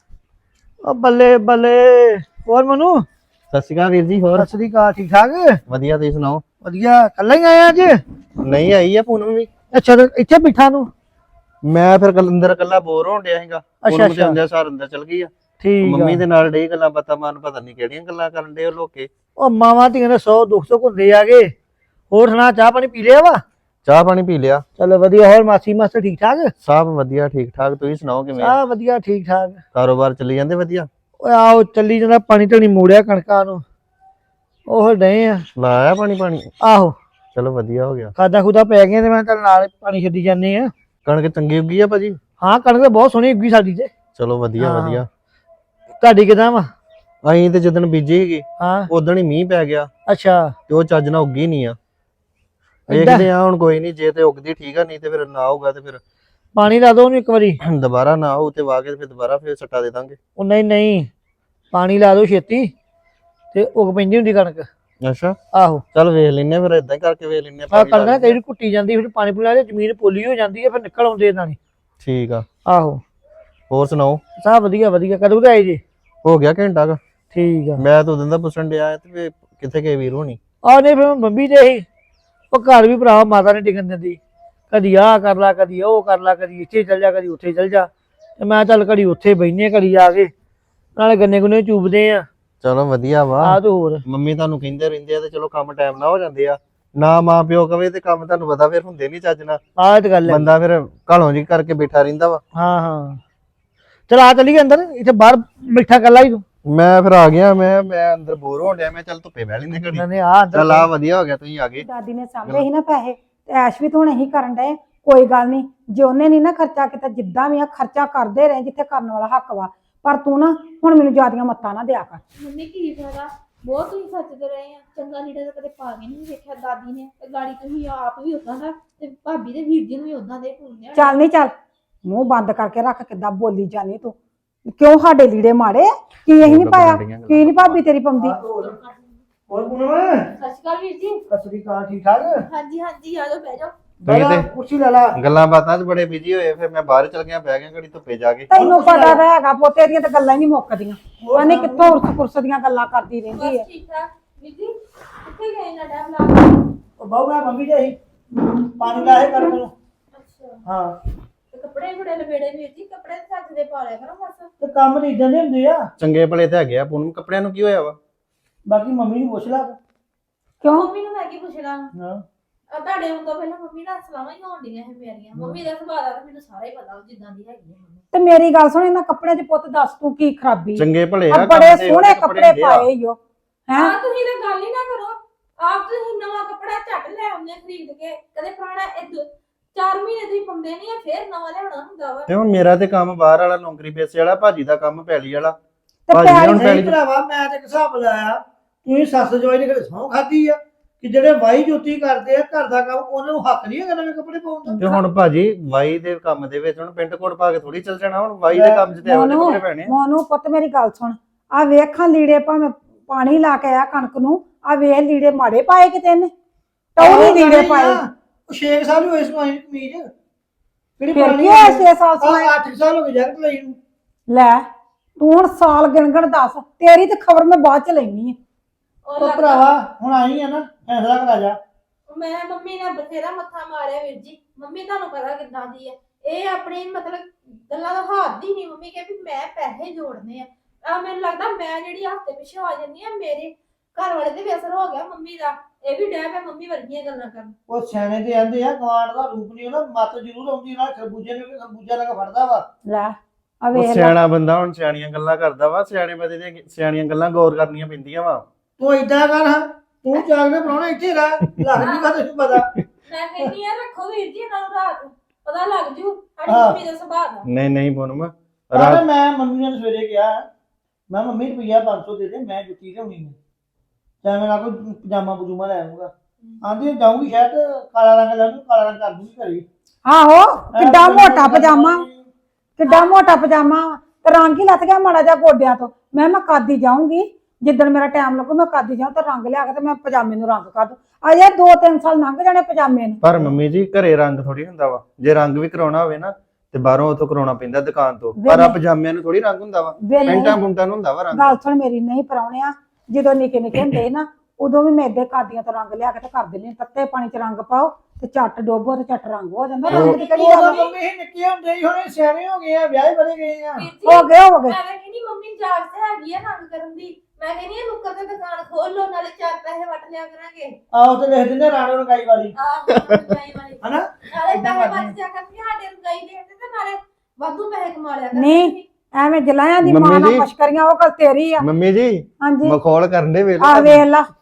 [SPEAKER 5] ਓ ਬੱਲੇ ਬੱਲੇ, ਹੋਰ ਮਨੂ?
[SPEAKER 3] ਸਤਿ ਸ਼੍ਰੀ ਅਕਾਲ ਵੀਰ ਜੀ। ਹੋਰ
[SPEAKER 5] ਸਤਿ ਸ੍ਰੀ ਅਕਾਲ, ਠੀਕ ਠਾਕ?
[SPEAKER 3] ਵਧੀਆ, ਤੁਸੀਂ ਸੁਣਾਓ?
[SPEAKER 5] ਵਧੀਆ। ਕੱਲਾ ਹੀ ਆਇਆ ਅੱਜ?
[SPEAKER 3] ਨਹੀਂ ਆਈ ਆ ਪੂਨਮ ਵੀ।
[SPEAKER 5] ਅੱਛਾ ਤੇ ਇੱਥੇ ਬਿਠਾ ਨੂੰ?
[SPEAKER 3] ਮੈਂ ਫਿਰ ਕੱਲ ਅੰਦਰ ਇਕੱਲਾ ਬੋਰ ਹੋਣ ਡਿਆ ਸੀਗਾ।
[SPEAKER 5] ਅੱਛਾ
[SPEAKER 3] ਪੂਨਮ ਤੇ ਅੰਦਰ ਸਾਰ ਅੰਦਰ ਚਲ ਗਈ ਆ।
[SPEAKER 5] ਠੀਕ
[SPEAKER 3] ਮੰਮੀ
[SPEAKER 5] ਆ।
[SPEAKER 3] ਦੇ ਨਾਲ ਡੇ ਗੱਲਾਂ ਬਾਤਾਂ ਮਾਰਨ, ਪਤਾ ਨਹੀਂ ਕਿਹੜੀਆਂ ਗੱਲਾਂ ਕਰਨ ਡੇ ਉਹ ਲੋਕੇ।
[SPEAKER 5] ਉਹ ਮਾਵਾਂ ਧੀਆਂ ਦੇ ਸੌ ਦੁੱਖ ਸੁੱਖ ਹੁੰਦੇ ਆਗੇ। ਹੋਰ ਸੁਣਾ, ਚਾਹ ਪਾਣੀ ਪੀ ਲਿਆ ਵਾ?
[SPEAKER 3] ਚਾਹ ਪਾਣੀ ਪੀ ਲਿਆ।
[SPEAKER 5] ਚਲੋ ਵਧੀਆ। ਹੋਰ ਮਾਸੀ ਮਾਸਟਰ ਠੀਕ ਠਾਕ?
[SPEAKER 3] ਸਭ ਵਧੀਆ ਠੀਕ ਠਾਕ। ਤੁਸੀਂ ਸੁਣਾਓ ਕਿਵੇਂ?
[SPEAKER 5] ਸਭ ਵਧੀਆ ਠੀਕ ਠਾਕ।
[SPEAKER 3] ਕਾਰੋਬਾਰ ਚੱਲੀ ਜਾਂਦੇ ਵਧੀਆ?
[SPEAKER 5] ਓਏ ਆਓ ਚੱਲੀ ਜਾਂਦਾ, ਪਾਣੀ ਧਣੀ ਮੋੜਿਆ ਕਣਕਾਂ ਨੂੰ, ਉਹ ਡਏ ਆ।
[SPEAKER 3] ਲਾਇਆ ਪਾਣੀ? ਪਾਣੀ
[SPEAKER 5] ਆਹੋ
[SPEAKER 3] ਚਲੋ ਵਧੀਆ ਹੋ ਗਿਆ।
[SPEAKER 5] ਖਾਦਾ ਖੁਦਾ ਪੈ ਗਈਆਂ ਤੇ ਮੈਂ ਚੱਲ ਨਾਲ ਪਾਣੀ ਛੱਡੀ ਜਾਂਦੇ ਆ।
[SPEAKER 3] ਕਣਕ ਚੰਗੀ ਉੱਗੀ ਆ ਭਾਜੀ?
[SPEAKER 5] ਹਾਂ ਕਣਕ ਤਾਂ ਬਹੁਤ ਸੋਹਣੀ ਉੱਗੀ ਸਾਡੀ ਤੇ।
[SPEAKER 3] ਚਲੋ ਵਧੀਆ
[SPEAKER 5] ਹਾਂ।
[SPEAKER 3] ਵਧੀਆ।
[SPEAKER 5] ਤੁਹਾਡੀ ਕਿਦਾਂ ਵਾ?
[SPEAKER 3] ਅਸੀਂ ਤੇ ਜਦੋਂ ਬੀਜੀ ਸੀਗੀ
[SPEAKER 5] ਹਾਂ
[SPEAKER 3] ਉਦੋਂ ਹੀ ਮੀਂਹ ਪੈ ਗਿਆ,
[SPEAKER 5] ਅੱਛਾ
[SPEAKER 3] ਤੇ ਉਹ ਚੱਜ ਨਾਲ ਉੱਗੀ ਨਹੀਂ ਆ। ਵੇਖਦੇ ਆ ਹੁਣ, ਕੋਈ ਨਹੀਂ, ਜੇ ਤੇ ਉਗਦੀ ਠੀਕ ਆ, ਨਹੀਂ ਤੇ ਫਿਰ ਨਾ ਹੋਊਗਾ ਤੇ ਫਿਰ
[SPEAKER 5] ਪਾਣੀ ਲਾ ਦੋ ਉਹਨੂੰ ਇੱਕ ਵਾਰੀ।
[SPEAKER 3] ਦੁਬਾਰਾ ਨਾ ਹੋਊ ਤੇ ਵਾਹ ਕੇ ਫਿਰ ਦੁਬਾਰਾ ਫਿਰ ਸੱਟਾ ਦੇ ਦਾਂਗੇ।
[SPEAKER 5] ਉਹ ਨਹੀਂ ਨਹੀਂ, ਪਾਣੀ ਲਾ ਦੋ ਛੇਤੀ ਤੇ ਉਗ ਪੈਂਦੀ ਹੁੰਦੀ ਕਣਕ।
[SPEAKER 3] ਅੱਛਾ
[SPEAKER 5] ਆਹੋ
[SPEAKER 3] ਚੱਲ ਵੇਖ ਲੈਨੇ ਫਿਰ, ਇਦਾਂ ਹੀ ਕਰਕੇ ਵੇਖ ਲੈਨੇ
[SPEAKER 5] ਆ ਕਣਕ ਨਾ ਕਈ ਵਾਰੀ ਕੁੱਟੀ ਜਾਂਦੀ, ਫਿਰ ਪਾਣੀ ਪੂਣੀ ਲਾ ਕੇ ਜ਼ਮੀਨ ਪੋਲੀ ਹੋ ਜਾਂਦੀ ਹੈ, ਫਿਰ ਨਿਕਲ ਆਉਂਦੇ ਇਹਨਾਂ ਨੇ।
[SPEAKER 3] ਠੀਕ ਆ,
[SPEAKER 5] ਆਹੋ
[SPEAKER 3] ਹੋਰ ਸੁਣਾਓ?
[SPEAKER 5] ਸਭ ਵਧੀਆ ਵਧੀਆ। ਕਦੋਂ ਕੁ ਆਏ ਜੀ?
[SPEAKER 3] ਹੋ ਗਿਆ ਘੰਟਾ ਕ।
[SPEAKER 5] ਠੀਕ ਆ।
[SPEAKER 3] ਮੈਂ ਤਾਂ ਉਦੋਂ ਦਾ ਪੁੱਛਣ ਡਿਆ ਤੇ ਵੀ ਕਿੱਥੇ ਗਏ ਵੀਰ ਹੋਣੀ?
[SPEAKER 5] ਆ ਨਹੀਂ ਫਿਰ ਮੰਮੀ ਤੇ ਹੀ ਉਹ ਘਰ ਵੀ ਭਰਾ ਮਾਤਾ ਨੇ ਟਿਕਣ ਦਿੰਦੀ, ਕਦੀ ਆਹ ਕਰ ਲਾ, ਕਦੀ ਉਹ ਕਰ ਲਾ, ਕਦੀ ਇੱਥੇ ਚੱਲ ਜਾ, ਕਦੀ ਉੱਥੇ ਚੱਲ ਜਾ। ਤੇ ਮੈਂ ਚੱਲ ਘੜੀ ਉੱਥੇ ਬਹਿਨੇ, ਘੜੀ ਆ ਕੇ ਨਾਲੇ ਗੰਨੇ ਗੁੰਨੇ ਚੂਬਦੇ ਆ।
[SPEAKER 3] ਚਲੋ ਵਧੀਆ ਵਾ।
[SPEAKER 5] ਆ ਤੇ ਹੋਰ
[SPEAKER 3] ਮੰਮੀ ਤੁਹਾਨੂੰ ਕਹਿੰਦੇ ਰਹਿੰਦੇ ਆ ਤੇ ਚਲੋ ਕੰਮ ਟਾਈਮ ਨਾਲ ਹੋ ਜਾਂਦੇ ਆ, ਨਾ ਮਾਂ ਪਿਓ ਕਵੇ ਤੇ ਕੰਮ ਤੁਹਾਨੂੰ ਪਤਾ ਫਿਰ ਹੁੰਦੇ ਨਹੀਂ ਚੱਜ ਨਾਲ।
[SPEAKER 5] ਆਹ ਤੇ ਗੱਲ ਹੈ।
[SPEAKER 3] ਬੰਦਾ ਫਿਰ ਘਾਲੋਂ ਜੀ ਕਰਕੇ ਬੈਠਾ ਰਹਿੰਦਾ ਵਾ।
[SPEAKER 5] ਹਾਂ ਹਾਂ ਚਲ ਆ ਚਲੀਏ ਅੰਦਰ, ਇੱਥੇ ਬਾਹਰ ਬੈਠਾ ਕੱਲਾ ਹੀ ਤੂੰ।
[SPEAKER 3] ਮੈਂ ਫਿਰ ਆ ਗਿਆ, ਮੈਂ ਮੈਂ ਅੰਦਰ ਬੋਰ ਹੋਣ ਡਿਆ, ਮੈਂ ਚੱਲ ਧੁੱਪੇ ਬਹਿ ਲੈਂਦੇ ਘੜੀ।
[SPEAKER 5] ਨੇ ਆ ਅੰਦਰ
[SPEAKER 3] ਚੱਲ ਆ ਵਧੀਆ ਹੋ ਗਿਆ ਤੁਸੀਂ ਆ ਗਏ।
[SPEAKER 2] ਦਾਦੀ ਨੇ ਸਾਂਭੇ ਸੀ ਨਾ ਪੈਸੇ ਤੇ ਐਸ਼ ਵੀ ਤਾਂ ਹੁਣ ਇਹੀ ਕਰਨ ਡਏ। ਕੋਈ ਗੱਲ ਨਹੀਂ, ਜੇ ਉਹਨੇ ਨਹੀਂ ਨਾ ਖਰਚਾ ਕੀਤਾ, ਜਿੱਦਾਂ ਵੀ ਆ ਖਰਚਾ ਕਰਦੇ ਰਹੇ ਜਿੱਥੇ ਕਰਨ ਵਾਲਾ ਹੱਕ ਵਾ, ਪਰ ਤੂੰ ਨਾ ਹੁਣ ਮੈਨੂੰ ਜ਼ਿਆਦੀਆਂ ਮੱਤਾਂ ਨਾ ਦਿਆ ਕਰ।
[SPEAKER 4] ਮੰਮੀ ਕੀ ਫਾਇਦਾ, ਬਹੁਤ ਤੁਸੀਂ ਸੱਚਦੇ ਰਹੇ ਆ। ਚੰਗਾ ਲੀੜਾ ਤਾਂ ਕਦੇ ਪਾ ਕੇ ਨਹੀਂ ਵੇਖਿਆ ਦਾਦੀ ਨੇ, ਤੇ ਗਾੜੀ ਤੁਸੀਂ ਆਪ ਵੀ ਉਦਾਂ ਦਾ ਤੇ ਭਾਬੀ ਦੇ ਵੀਰ ਜੀ ਨੂੰ ਵੀ ਉਦਾਂ ਦੇ ਭੁੱਲਦੇ।
[SPEAKER 2] ਚੱਲ ਨਹੀਂ ਚੱਲ, ਮੂੰਹ ਬੰਦ ਕਰਕੇ ਰੱਖ, ਕਿੱਦਾਂ ਬੋਲੀ ਜਾਨੀ ਤੂੰ। ਕਿਉਂ ਸਾਡੇ ਲੀੜੇ ਮਾੜੇ ਕੀ ਇਹੀ ਨਹੀਂ ਪਾਇਆ, ਕੀ ਨਹੀਂ ਭਾਬੀ ਤੇਰੀ ਪਾਉਂਦੀ?
[SPEAKER 5] ਹੋਰ ਪੁਣਮ
[SPEAKER 4] ਸਤਿ ਸ਼੍ਰੀ ਅਕਾਲ ਵੀਰ ਜੀ।
[SPEAKER 5] ਸਤਿ ਸ੍ਰੀ ਅਕਾਲ, ਠੀਕ ਠਾਕ?
[SPEAKER 4] ਹਾਂਜੀ ਹਾਂਜੀ ਆ ਜਾਓ ਬਹਿ ਜਾਓ।
[SPEAKER 3] ਤੁਸੀਂ ਤੇ
[SPEAKER 5] ਕੁਰਸੀ ਲੈ ਲਾ।
[SPEAKER 3] ਗੱਲਾਂ ਬਾਤਾਂ 'ਚ ਬੜੇ ਬਿਜੀ ਹੋਏ, ਫਿਰ ਮੈਂ ਬਾਹਰ ਚਲ ਗਿਆ, ਬਹਿ ਗਿਆ ਘੜੀ ਧੁੱਪੇ ਜਾ ਕੇ।
[SPEAKER 2] ਤੈਨੂੰ ਪਤਾ ਤਾਂ ਹੈਗਾ ਪੋਤੇ ਦੀਆਂ ਤਾਂ ਗੱਲਾਂ ਹੀ ਨਹੀਂ ਮੁੱਕਦੀਆਂ। ਉਹਨੇ ਕਿੱਥੋਂ ਉਰਸ ਪੁਰਸ ਦੀਆਂ ਗੱਲਾਂ ਕਰਦੀ ਰਹਿੰਦੀ ਹੈ।
[SPEAKER 4] ਬਸ ਠੀਕ ਠਾਕ ਵੀਰ ਜੀ। ਕਿੱਥੇ ਗਏ ਨਾ ਟਾਈਮ ਲਾ ਕੇ?
[SPEAKER 5] ਉਹ ਬਾਹੂ ਮੈਂ ਮੰਮੀ ਦੇ ਹੀ ਪਾਣੀ ਲਾਏ ਕਰ ਮੈਨੂੰ।
[SPEAKER 4] ਅੱਛਾ
[SPEAKER 5] ਹਾਂ
[SPEAKER 4] ਤੇ ਕੱਪੜੇ ਬੜੇ ਲਵੇੜੇ ਵੀਰ ਜੀ, ਕੱਪੜੇ ਸੱਚ ਦੇ ਪਾ ਲਿਆ ਕਰੋ ਬਸ।
[SPEAKER 5] ਤੇ ਕੰਮ ਨਹੀਂ ਇਦਾਂ ਦੇ ਹੁੰਦੇ ਆ।
[SPEAKER 3] ਚੰਗੇ ਭਲੇ ਤੇ ਹੈਗੇ ਆ, ਪੂਨਮ ਕੱਪੜਿਆਂ ਨੂੰ ਕੀ ਹੋਇਆ ਵਾ?
[SPEAKER 5] ਬਾਕੀ ਮੰਮੀ ਨੂੰ ਪੁੱਛ ਲਾ।
[SPEAKER 2] ਕਿਉਂ?
[SPEAKER 4] ਮੰਮੀ ਨੂੰ ਮੈਂ ਕੀ ਪੁੱਛਣਾ,
[SPEAKER 5] ਹਾਂ
[SPEAKER 4] ਆ ਤੁਹਾਡੇ ਆਉਣ ਤੋਂ ਪਹਿਲਾਂ ਮੰਮੀ ਨਾਲ ਸਲਾਹਾਂ ਹੀ ਹੋਣ ਡੀਆਂ ਹੈ ਮੇਰੀਆਂ। ਮੰਮੀ ਦਾ ਸੁਭਾਅ ਦਾ ਤਾਂ ਮੈਨੂੰ ਸਾਰਾ ਹੀ ਪਤਾ, ਉਹ ਜਿੱਦਾਂ ਦੀ ਹੈਗੀ ਹੈ ਮੰਮੀ।
[SPEAKER 2] ਤੇ ਮੇਰੀ ਗੱਲ ਸੁਣ, ਇਹਨਾਂ ਕੱਪੜਿਆਂ 'ਚ ਪੁੱਤ ਦੱਸ ਤੂੰ ਕੀ ਖਰਾਬੀ?
[SPEAKER 3] ਚੰਗੇ ਭਲੇ
[SPEAKER 2] ਆ
[SPEAKER 3] ਆ,
[SPEAKER 2] ਬੜੇ
[SPEAKER 3] ਕੰਮ ਤੇ
[SPEAKER 2] ਸੋਹਣੇ
[SPEAKER 3] ਉਹਦੇ
[SPEAKER 2] ਕੱਪੜੇ
[SPEAKER 3] ਹੁੰਦੇ ਆ।
[SPEAKER 2] ਪਾਏ ਈ ਓ ਹੈ।
[SPEAKER 4] ਹਾਂ ਤੁਸੀਂ ਤਾਂ ਗੱਲ ਹੀ ਨਾ ਕਰੋ, ਆਪ ਤੁਸੀਂ ਨਵਾਂ ਕੱਪੜਾ ਝੱਟ ਲੈ ਆਉਂਦੇ ਖਰੀਦ ਕੇ, ਕਦੇ ਪੁਰਾਣਾ ਇਹ ਚਾਰ ਮਹੀਨੇ ਤੁਸੀਂ ਪਾਉਂਦੇ ਨਹੀਂ ਆ, ਫੇਰ ਨਵਾਂ ਲਿਆਉਣਾ ਹੁੰਦਾ ਵਾ।
[SPEAKER 3] ਤੇ ਹੁਣ ਮੇਰਾ ਤੇ ਕੰਮ ਬਾਹਰ ਵਾਲਾ, ਨੌਕਰੀ ਪੇਸ਼ੇ ਵਾਲਾ, ਭਾਜੀ ਦਾ ਕੰਮ ਪੈਲੀ ਵਾਲਾ।
[SPEAKER 2] ਤੇ
[SPEAKER 3] ਭਾਜੀ ਨੇ
[SPEAKER 2] ਪੈਲੀ
[SPEAKER 3] ਹੁਣ
[SPEAKER 5] ਨਹੀਂ
[SPEAKER 3] ਪੈਲੀ
[SPEAKER 5] ਭਰਾਵਾ, ਮੈਂ ਤੇ ਇੱਕ ਹਿਸਾਬ ਲਾਇਆ, ਤੂੰ ਸੱਸ ਜਵਾਈ ਨੇ ਕਿਹੜੇ ਸਹੁੰ ਖਾਦੀ ਆ ਕਿ ਜਿਹੜੇ ਵਾਈ ਜੋਤੀ ਕਰਦੇ ਆ ਘਰ ਦਾ ਕੰਮ, ਉਹਨਾਂ ਨੂੰ ਹੱਕ ਨਹੀਂ ਹੈਗਾ ਨਵੇਂ ਕੱਪੜੇ ਪਾਉਣ ਦਾ।
[SPEAKER 3] ਤੇ ਹੁਣ ਭਾਜੀ ਵਾਈ ਦੇ ਕੰਮ ਦੇ ਵਿੱਚ ਹੁਣ ਪੈਂਟ ਕੋਟ ਪਾ ਕੇ ਥੋੜੀ ਚੱਲ ਜਾਣਾ, ਹੁਣ ਵਾਈ ਦੇ ਕੰਮ 'ਚ ਤੇ ਇਹੋ ਜਿਹੇ ਕੱਪੜੇ ਪੈਣੇ ਆ।
[SPEAKER 2] ਮੋਨੂੰ ਪੁੱਤ ਮੇਰੀ ਗੱਲ ਸੁਣ, ਆ ਵੇਖਾਂ ਲੀੜੇ ਭਾਵੇਂ ਪਾਣੀ ਲਾ ਕੇ ਆ ਕਣਕ ਨੂੰ, ਆ ਵੇਖ ਲੀੜੇ ਮਾੜੇ ਪਾਏ ਕਿਤੇ ਇਹਨੇ, ਟੌਰੀ ਲੀੜੇ ਪਾਏ।
[SPEAKER 5] ਉਹ ਛੇ ਸਾਲ ਹੀ ਹੋਏ ਸਮਾਈ ਕਮੀਜ਼ ਕਿਹੜੀ
[SPEAKER 2] ਫਿਰ
[SPEAKER 5] ਪੁਰਾਣੀ
[SPEAKER 2] ਕੀ ਹੋਇਆ ਛੇ ਸਾਲ ਸਮਾਈ?
[SPEAKER 5] ਅੱਠ ਸਾਲ ਹੋ ਗਏ ਜੈਕਟ ਲਈ ਨੂੰ।
[SPEAKER 2] ਲੈ ਤੂੰ ਹੁਣ ਸਾਲ ਗਿਣ ਗਿਣ ਦੱਸ, ਤੇਰੀ ਤੇ ਖਬਰ ਮੈਂ ਬਾਅਦ ਚ ਲੈਣੀ ਹੈ।
[SPEAKER 4] ਉਹ
[SPEAKER 5] ਉਹ
[SPEAKER 4] ਲੱਗਦਾ-
[SPEAKER 5] ਭਰਾਵਾ ਹੁਣ ਆਈ ਆ ਨਾ, ਫੈਸਲਾ ਕਰਾ ਜਾ।
[SPEAKER 4] ਮੈਂ ਮੰਮੀ ਨੇ ਬਥੇਰਾ ਮੱਥਾ ਮਾਰਿਆ ਵੀਰ ਜੀ। ਮੰਮੀ ਤੁਹਾਨੂੰ ਪਤਾ ਕਿੱਦਾਂ ਦੀ ਹੈ, ਇਹ ਆਪਣੀ ਮਤਲਬ ਗੱਲਾਂ ਦਾ ਹੱਥ ਹੀ ਨਹੀਂ। ਮੰਮੀ ਕਹੇ ਵੀ ਮੈਂ ਪੈਸੇ ਜੋੜਨੇ ਆ, ਆ ਮੈਨੂੰ ਲੱਗਦਾ ਮੈਂ ਜਿਹੜੀ ਹਫ਼ਤੇ ਪਿੱਛੇ ਆ ਜਾਂਦੀ ਆ, ਮੇਰੇ ਘਰ ਵਾਲੇ ਤੇ ਵੀ ਅਸਰ ਹੋ ਗਿਆ ਮੰਮੀ ਦਾ। ਇਹ ਵੀ ਡੈ ਪਿਆ ਮੰਮੀ ਵਰਗੀਆਂ ਗੱਲਾਂ ਕਰਨ।
[SPEAKER 5] ਉਹ ਸਿਆਣੇ ਤੇ ਆਂਦੇ ਆ ਗਵਾਂਡ ਦਾ ਰੂਪ ਨਹੀਂ ਹੁੰਦਾ, ਮੱਤ ਜ਼ਰੂਰ ਆਉਂਦੀ ਨਾਲ ਖਰਬੂਜੇ ਨੂੰ ਖਰਬੂਜਾ ਲੱਗਾ ਫੜਦਾ ਵਾ।
[SPEAKER 2] ਲੈ ਆ
[SPEAKER 3] ਉਹ
[SPEAKER 2] ਵੇਖ ਲੈ,
[SPEAKER 3] ਸਿਆਣਾ ਬੰਦਾ ਹੁਣ ਸਿਆਣੀਆਂ ਗੱਲਾਂ ਕਰਦਾ ਵਾ, ਸਿਆਣੇ ਬੰਦੇ ਦੀਆਂ ਸਿਆਣੀਆਂ ਗੱਲਾਂ ਗੌਰ ਕਰਨੀਆਂ ਪੈਂਦੀਆਂ ਵਾ।
[SPEAKER 5] ਤੂੰ ਏਦਾਂ ਕਰ, ਹਾਂ ਤੂੰ ਜਾਗ ਕੇ ਬਣਾਉਣਾ ਇੱਥੇ ਰਹਿ, ਲੱਗ ਨਹੀਂ ਗਾ ਤੈਨੂੰ ਪਤਾ।
[SPEAKER 4] ਮੈਂ ਕਹਿੰਦੀ ਆ ਰੱਖੋ ਵੀਰ ਜੀ ਇਹਨਾਂ ਨੂੰ ਰਾਤ, ਪਤਾ ਲੱਗ ਜੂ ਸਾਡੀ
[SPEAKER 5] ਹਾਂ।
[SPEAKER 4] ਮੰਮੀ ਦਾ ਸੁਭਾਅ ਦਾ।
[SPEAKER 3] ਨਹੀਂ ਨਹੀਂ ਪੂਨਮ
[SPEAKER 5] ਰਾਤ
[SPEAKER 3] ਰਾਤ
[SPEAKER 5] ਮੈਂ ਮੰਮੀ ਨੇ ਸਵੇਰੇ ਕਿਹਾ, ਮੈਂ ਮੰਮੀ ਰੁਪਈਆ ਪੰਜ ਸੌ ਦੇ ਦੇ, ਮੈਂ ਜੁੱਤੀ ਲਿਆਉਣੀ ਹੈ, ਚਾਹੇ ਮੈਂ ਕੋਈ ਪਜਾਮਾ ਪਜੂਮਾ ਲੈ ਆਉਂਗਾ। ਆਂਦੀ ਜਾਊਂਗੀ ਸ਼ਾਇਦ ਕਾਲਾ ਰੰਗ ਲੈ ਲੂੰ, ਕਾਲਾ ਰੰਗ ਕਰ ਦੂੰਗੀ ਘਰੇ।
[SPEAKER 2] ਆਹੋ ਕਿੱਡਾ ਮੋਟਾ ਪਜਾਮਾ, ਕਿੱਡਾ ਮੋਟਾ ਪਜਾਮਾ ਵਾ, ਤੇ ਰੰਗ ਹੀ ਲੱਥ ਗਿਆ ਮਾੜਾ ਜਿਹਾ ਗੋਡਿਆਂ ਤੋਂ। ਮੈਂ ਮੈਂ ਕਾਦੀ ਜਾਊਂਗੀ, ਜਿੱਦਣ ਮੇਰਾ ਟਾਈਮ ਲੱਗੂ ਮੈਂ ਕਾਦੀ ਜਾਊਂ ਤੇ ਰੰਗ ਲਿਆ ਕੇ ਤੇ ਮੈਂ ਪਜਾਮੇ ਨੂੰ ਰੰਗ ਕਰ ਦੂੰ। ਅਜੇ ਦੋ ਤਿੰਨ ਸਾਲ ਲੰਘ ਜਾਣੇ ਪਜਾਮੇ ਨੂੰ।
[SPEAKER 3] ਪਰ ਮੰਮੀ ਜੀ ਘਰੇ ਰੰਗ ਥੋੜੀ ਹੁੰਦਾ ਵਾ, ਜੇ ਰੰਗ ਵੀ ਕਰਾਉਣਾ ਹੋਵੇ ਨਾ ਤੇ ਬਾਹਰੋਂ ਉਥੋਂ ਕਰਾਉਣਾ ਪੈਂਦਾ ਦੁਕਾਨ ਤੋਂ, ਪਰ ਆ ਪਜਾਮਿਆਂ ਨੂੰ ਥੋੜੀ ਰੰਗ ਹੁੰਦਾ ਵਾ,
[SPEAKER 2] ਵੇ ਨਹੀਂ,
[SPEAKER 3] ਪੈਂਟਾਂ ਪੁੰਟਾਂ ਨੂੰ ਹੁੰਦਾ ਵਾ ਰੰਗ।
[SPEAKER 2] ਗੱਲ ਸੁਣ ਮੇਰੀ, ਨਹੀਂ ਪਰਾਉਣਿਆ ਜਦੋਂ ਨਿੱਕੇ ਨਿੱਕੇ ਹੁੰਦੇ ਨਾ, ਉਦੋਂ ਵੀ ਮੈਂ ਏਦਾਂ ਕਾਦੀਆਂ ਤੋਂ ਰੰਗ ਲਿਆ ਕੇ ਤੇ ਕਰ ਦਿੰਦੀ, ਤੱਤੇ ਪਾਣੀ ਚ ਰੰਗ ਪਾਓ ਤੇ ਝੱਟ ਡੋਬੋ ਤੇ ਝੱਟ ਰੰਗ ਹੋ ਜਾਂਦਾ। ਰੰਗ ਦੀ ਕਿਹੜੀ ਗੱਲ
[SPEAKER 5] ਉਦੋਂ
[SPEAKER 2] ਆ?
[SPEAKER 5] ਮੰਮੀ ਇਹ ਨਿੱਕੇ ਹੁੰਦੇ ਹੀ ਹੁਣ ਸਿਆਣੇ ਹੋ ਗਏ ਆ, ਵਿਆਹ ਬੜੇ ਗਏ ਆ।
[SPEAKER 4] ਵੀਰ ਜੀ
[SPEAKER 2] ਹੋ ਗਏ ਹੋ ਗਏ।
[SPEAKER 4] ਮੈਂ ਤਾਂ ਕਹਿੰਦੀ ਮੰਮੀ ਜਾਗ ਤੇ ਹੈਗੀ ਆ ਰੰਗ ਕਰਨ ਦੀ। ਮੈਂ ਕਹਿੰਦੀ ਆ ਨੁੱਕਰ ਤੇ ਦੁਕਾਨ ਖੋਲ ਲੋ, ਨਾਲੇ ਚਾਰ ਪੈਸੇ ਵਟ ਲਿਆ ਕਰਾਂਗੇ।
[SPEAKER 5] ਆਹੋ ਤੇ ਲਿਖ ਦਿੰਦੇ ਰਾਣੋ ਰੰਗਾਈ ਵਾਲੀ,
[SPEAKER 4] ਆਹ ਰੰਗਾਈ ਵਾਲੀ
[SPEAKER 5] ਹਨਾ?
[SPEAKER 4] ਨਾਲੇ ਪੈਸੇ ਵਟ ਜਾ ਕਰਨਗੇ, ਸਾਡੇ ਰੰਗਾਈ ਦੇ ਤੇ ਨਾਲੇ ਵਾਧੂ ਪੈਸੇ ਕਮਾ ਲਿਆ
[SPEAKER 2] ਨਹੀਂ।
[SPEAKER 4] ਕਰਾਂਗੇ।
[SPEAKER 2] ਐਵੇਂ ਜਲਾਇਆਂ ਦੀ
[SPEAKER 3] ਮੰਮੀ
[SPEAKER 2] ਮਾਂ ਨਾਲ
[SPEAKER 3] ਜੀ।
[SPEAKER 2] ਪਸ਼ਕਰੀਆਂ ਉਹ ਗੱਲ ਤੇਰੀ ਆ।
[SPEAKER 3] ਮੰਮੀ ਜੀ
[SPEAKER 2] ਹਾਂਜੀ
[SPEAKER 3] ਮਖੌਲ ਕਰਨ ਦੇ ਵੇਲੇ
[SPEAKER 2] ਆ ਵੇਖ ਲਾ,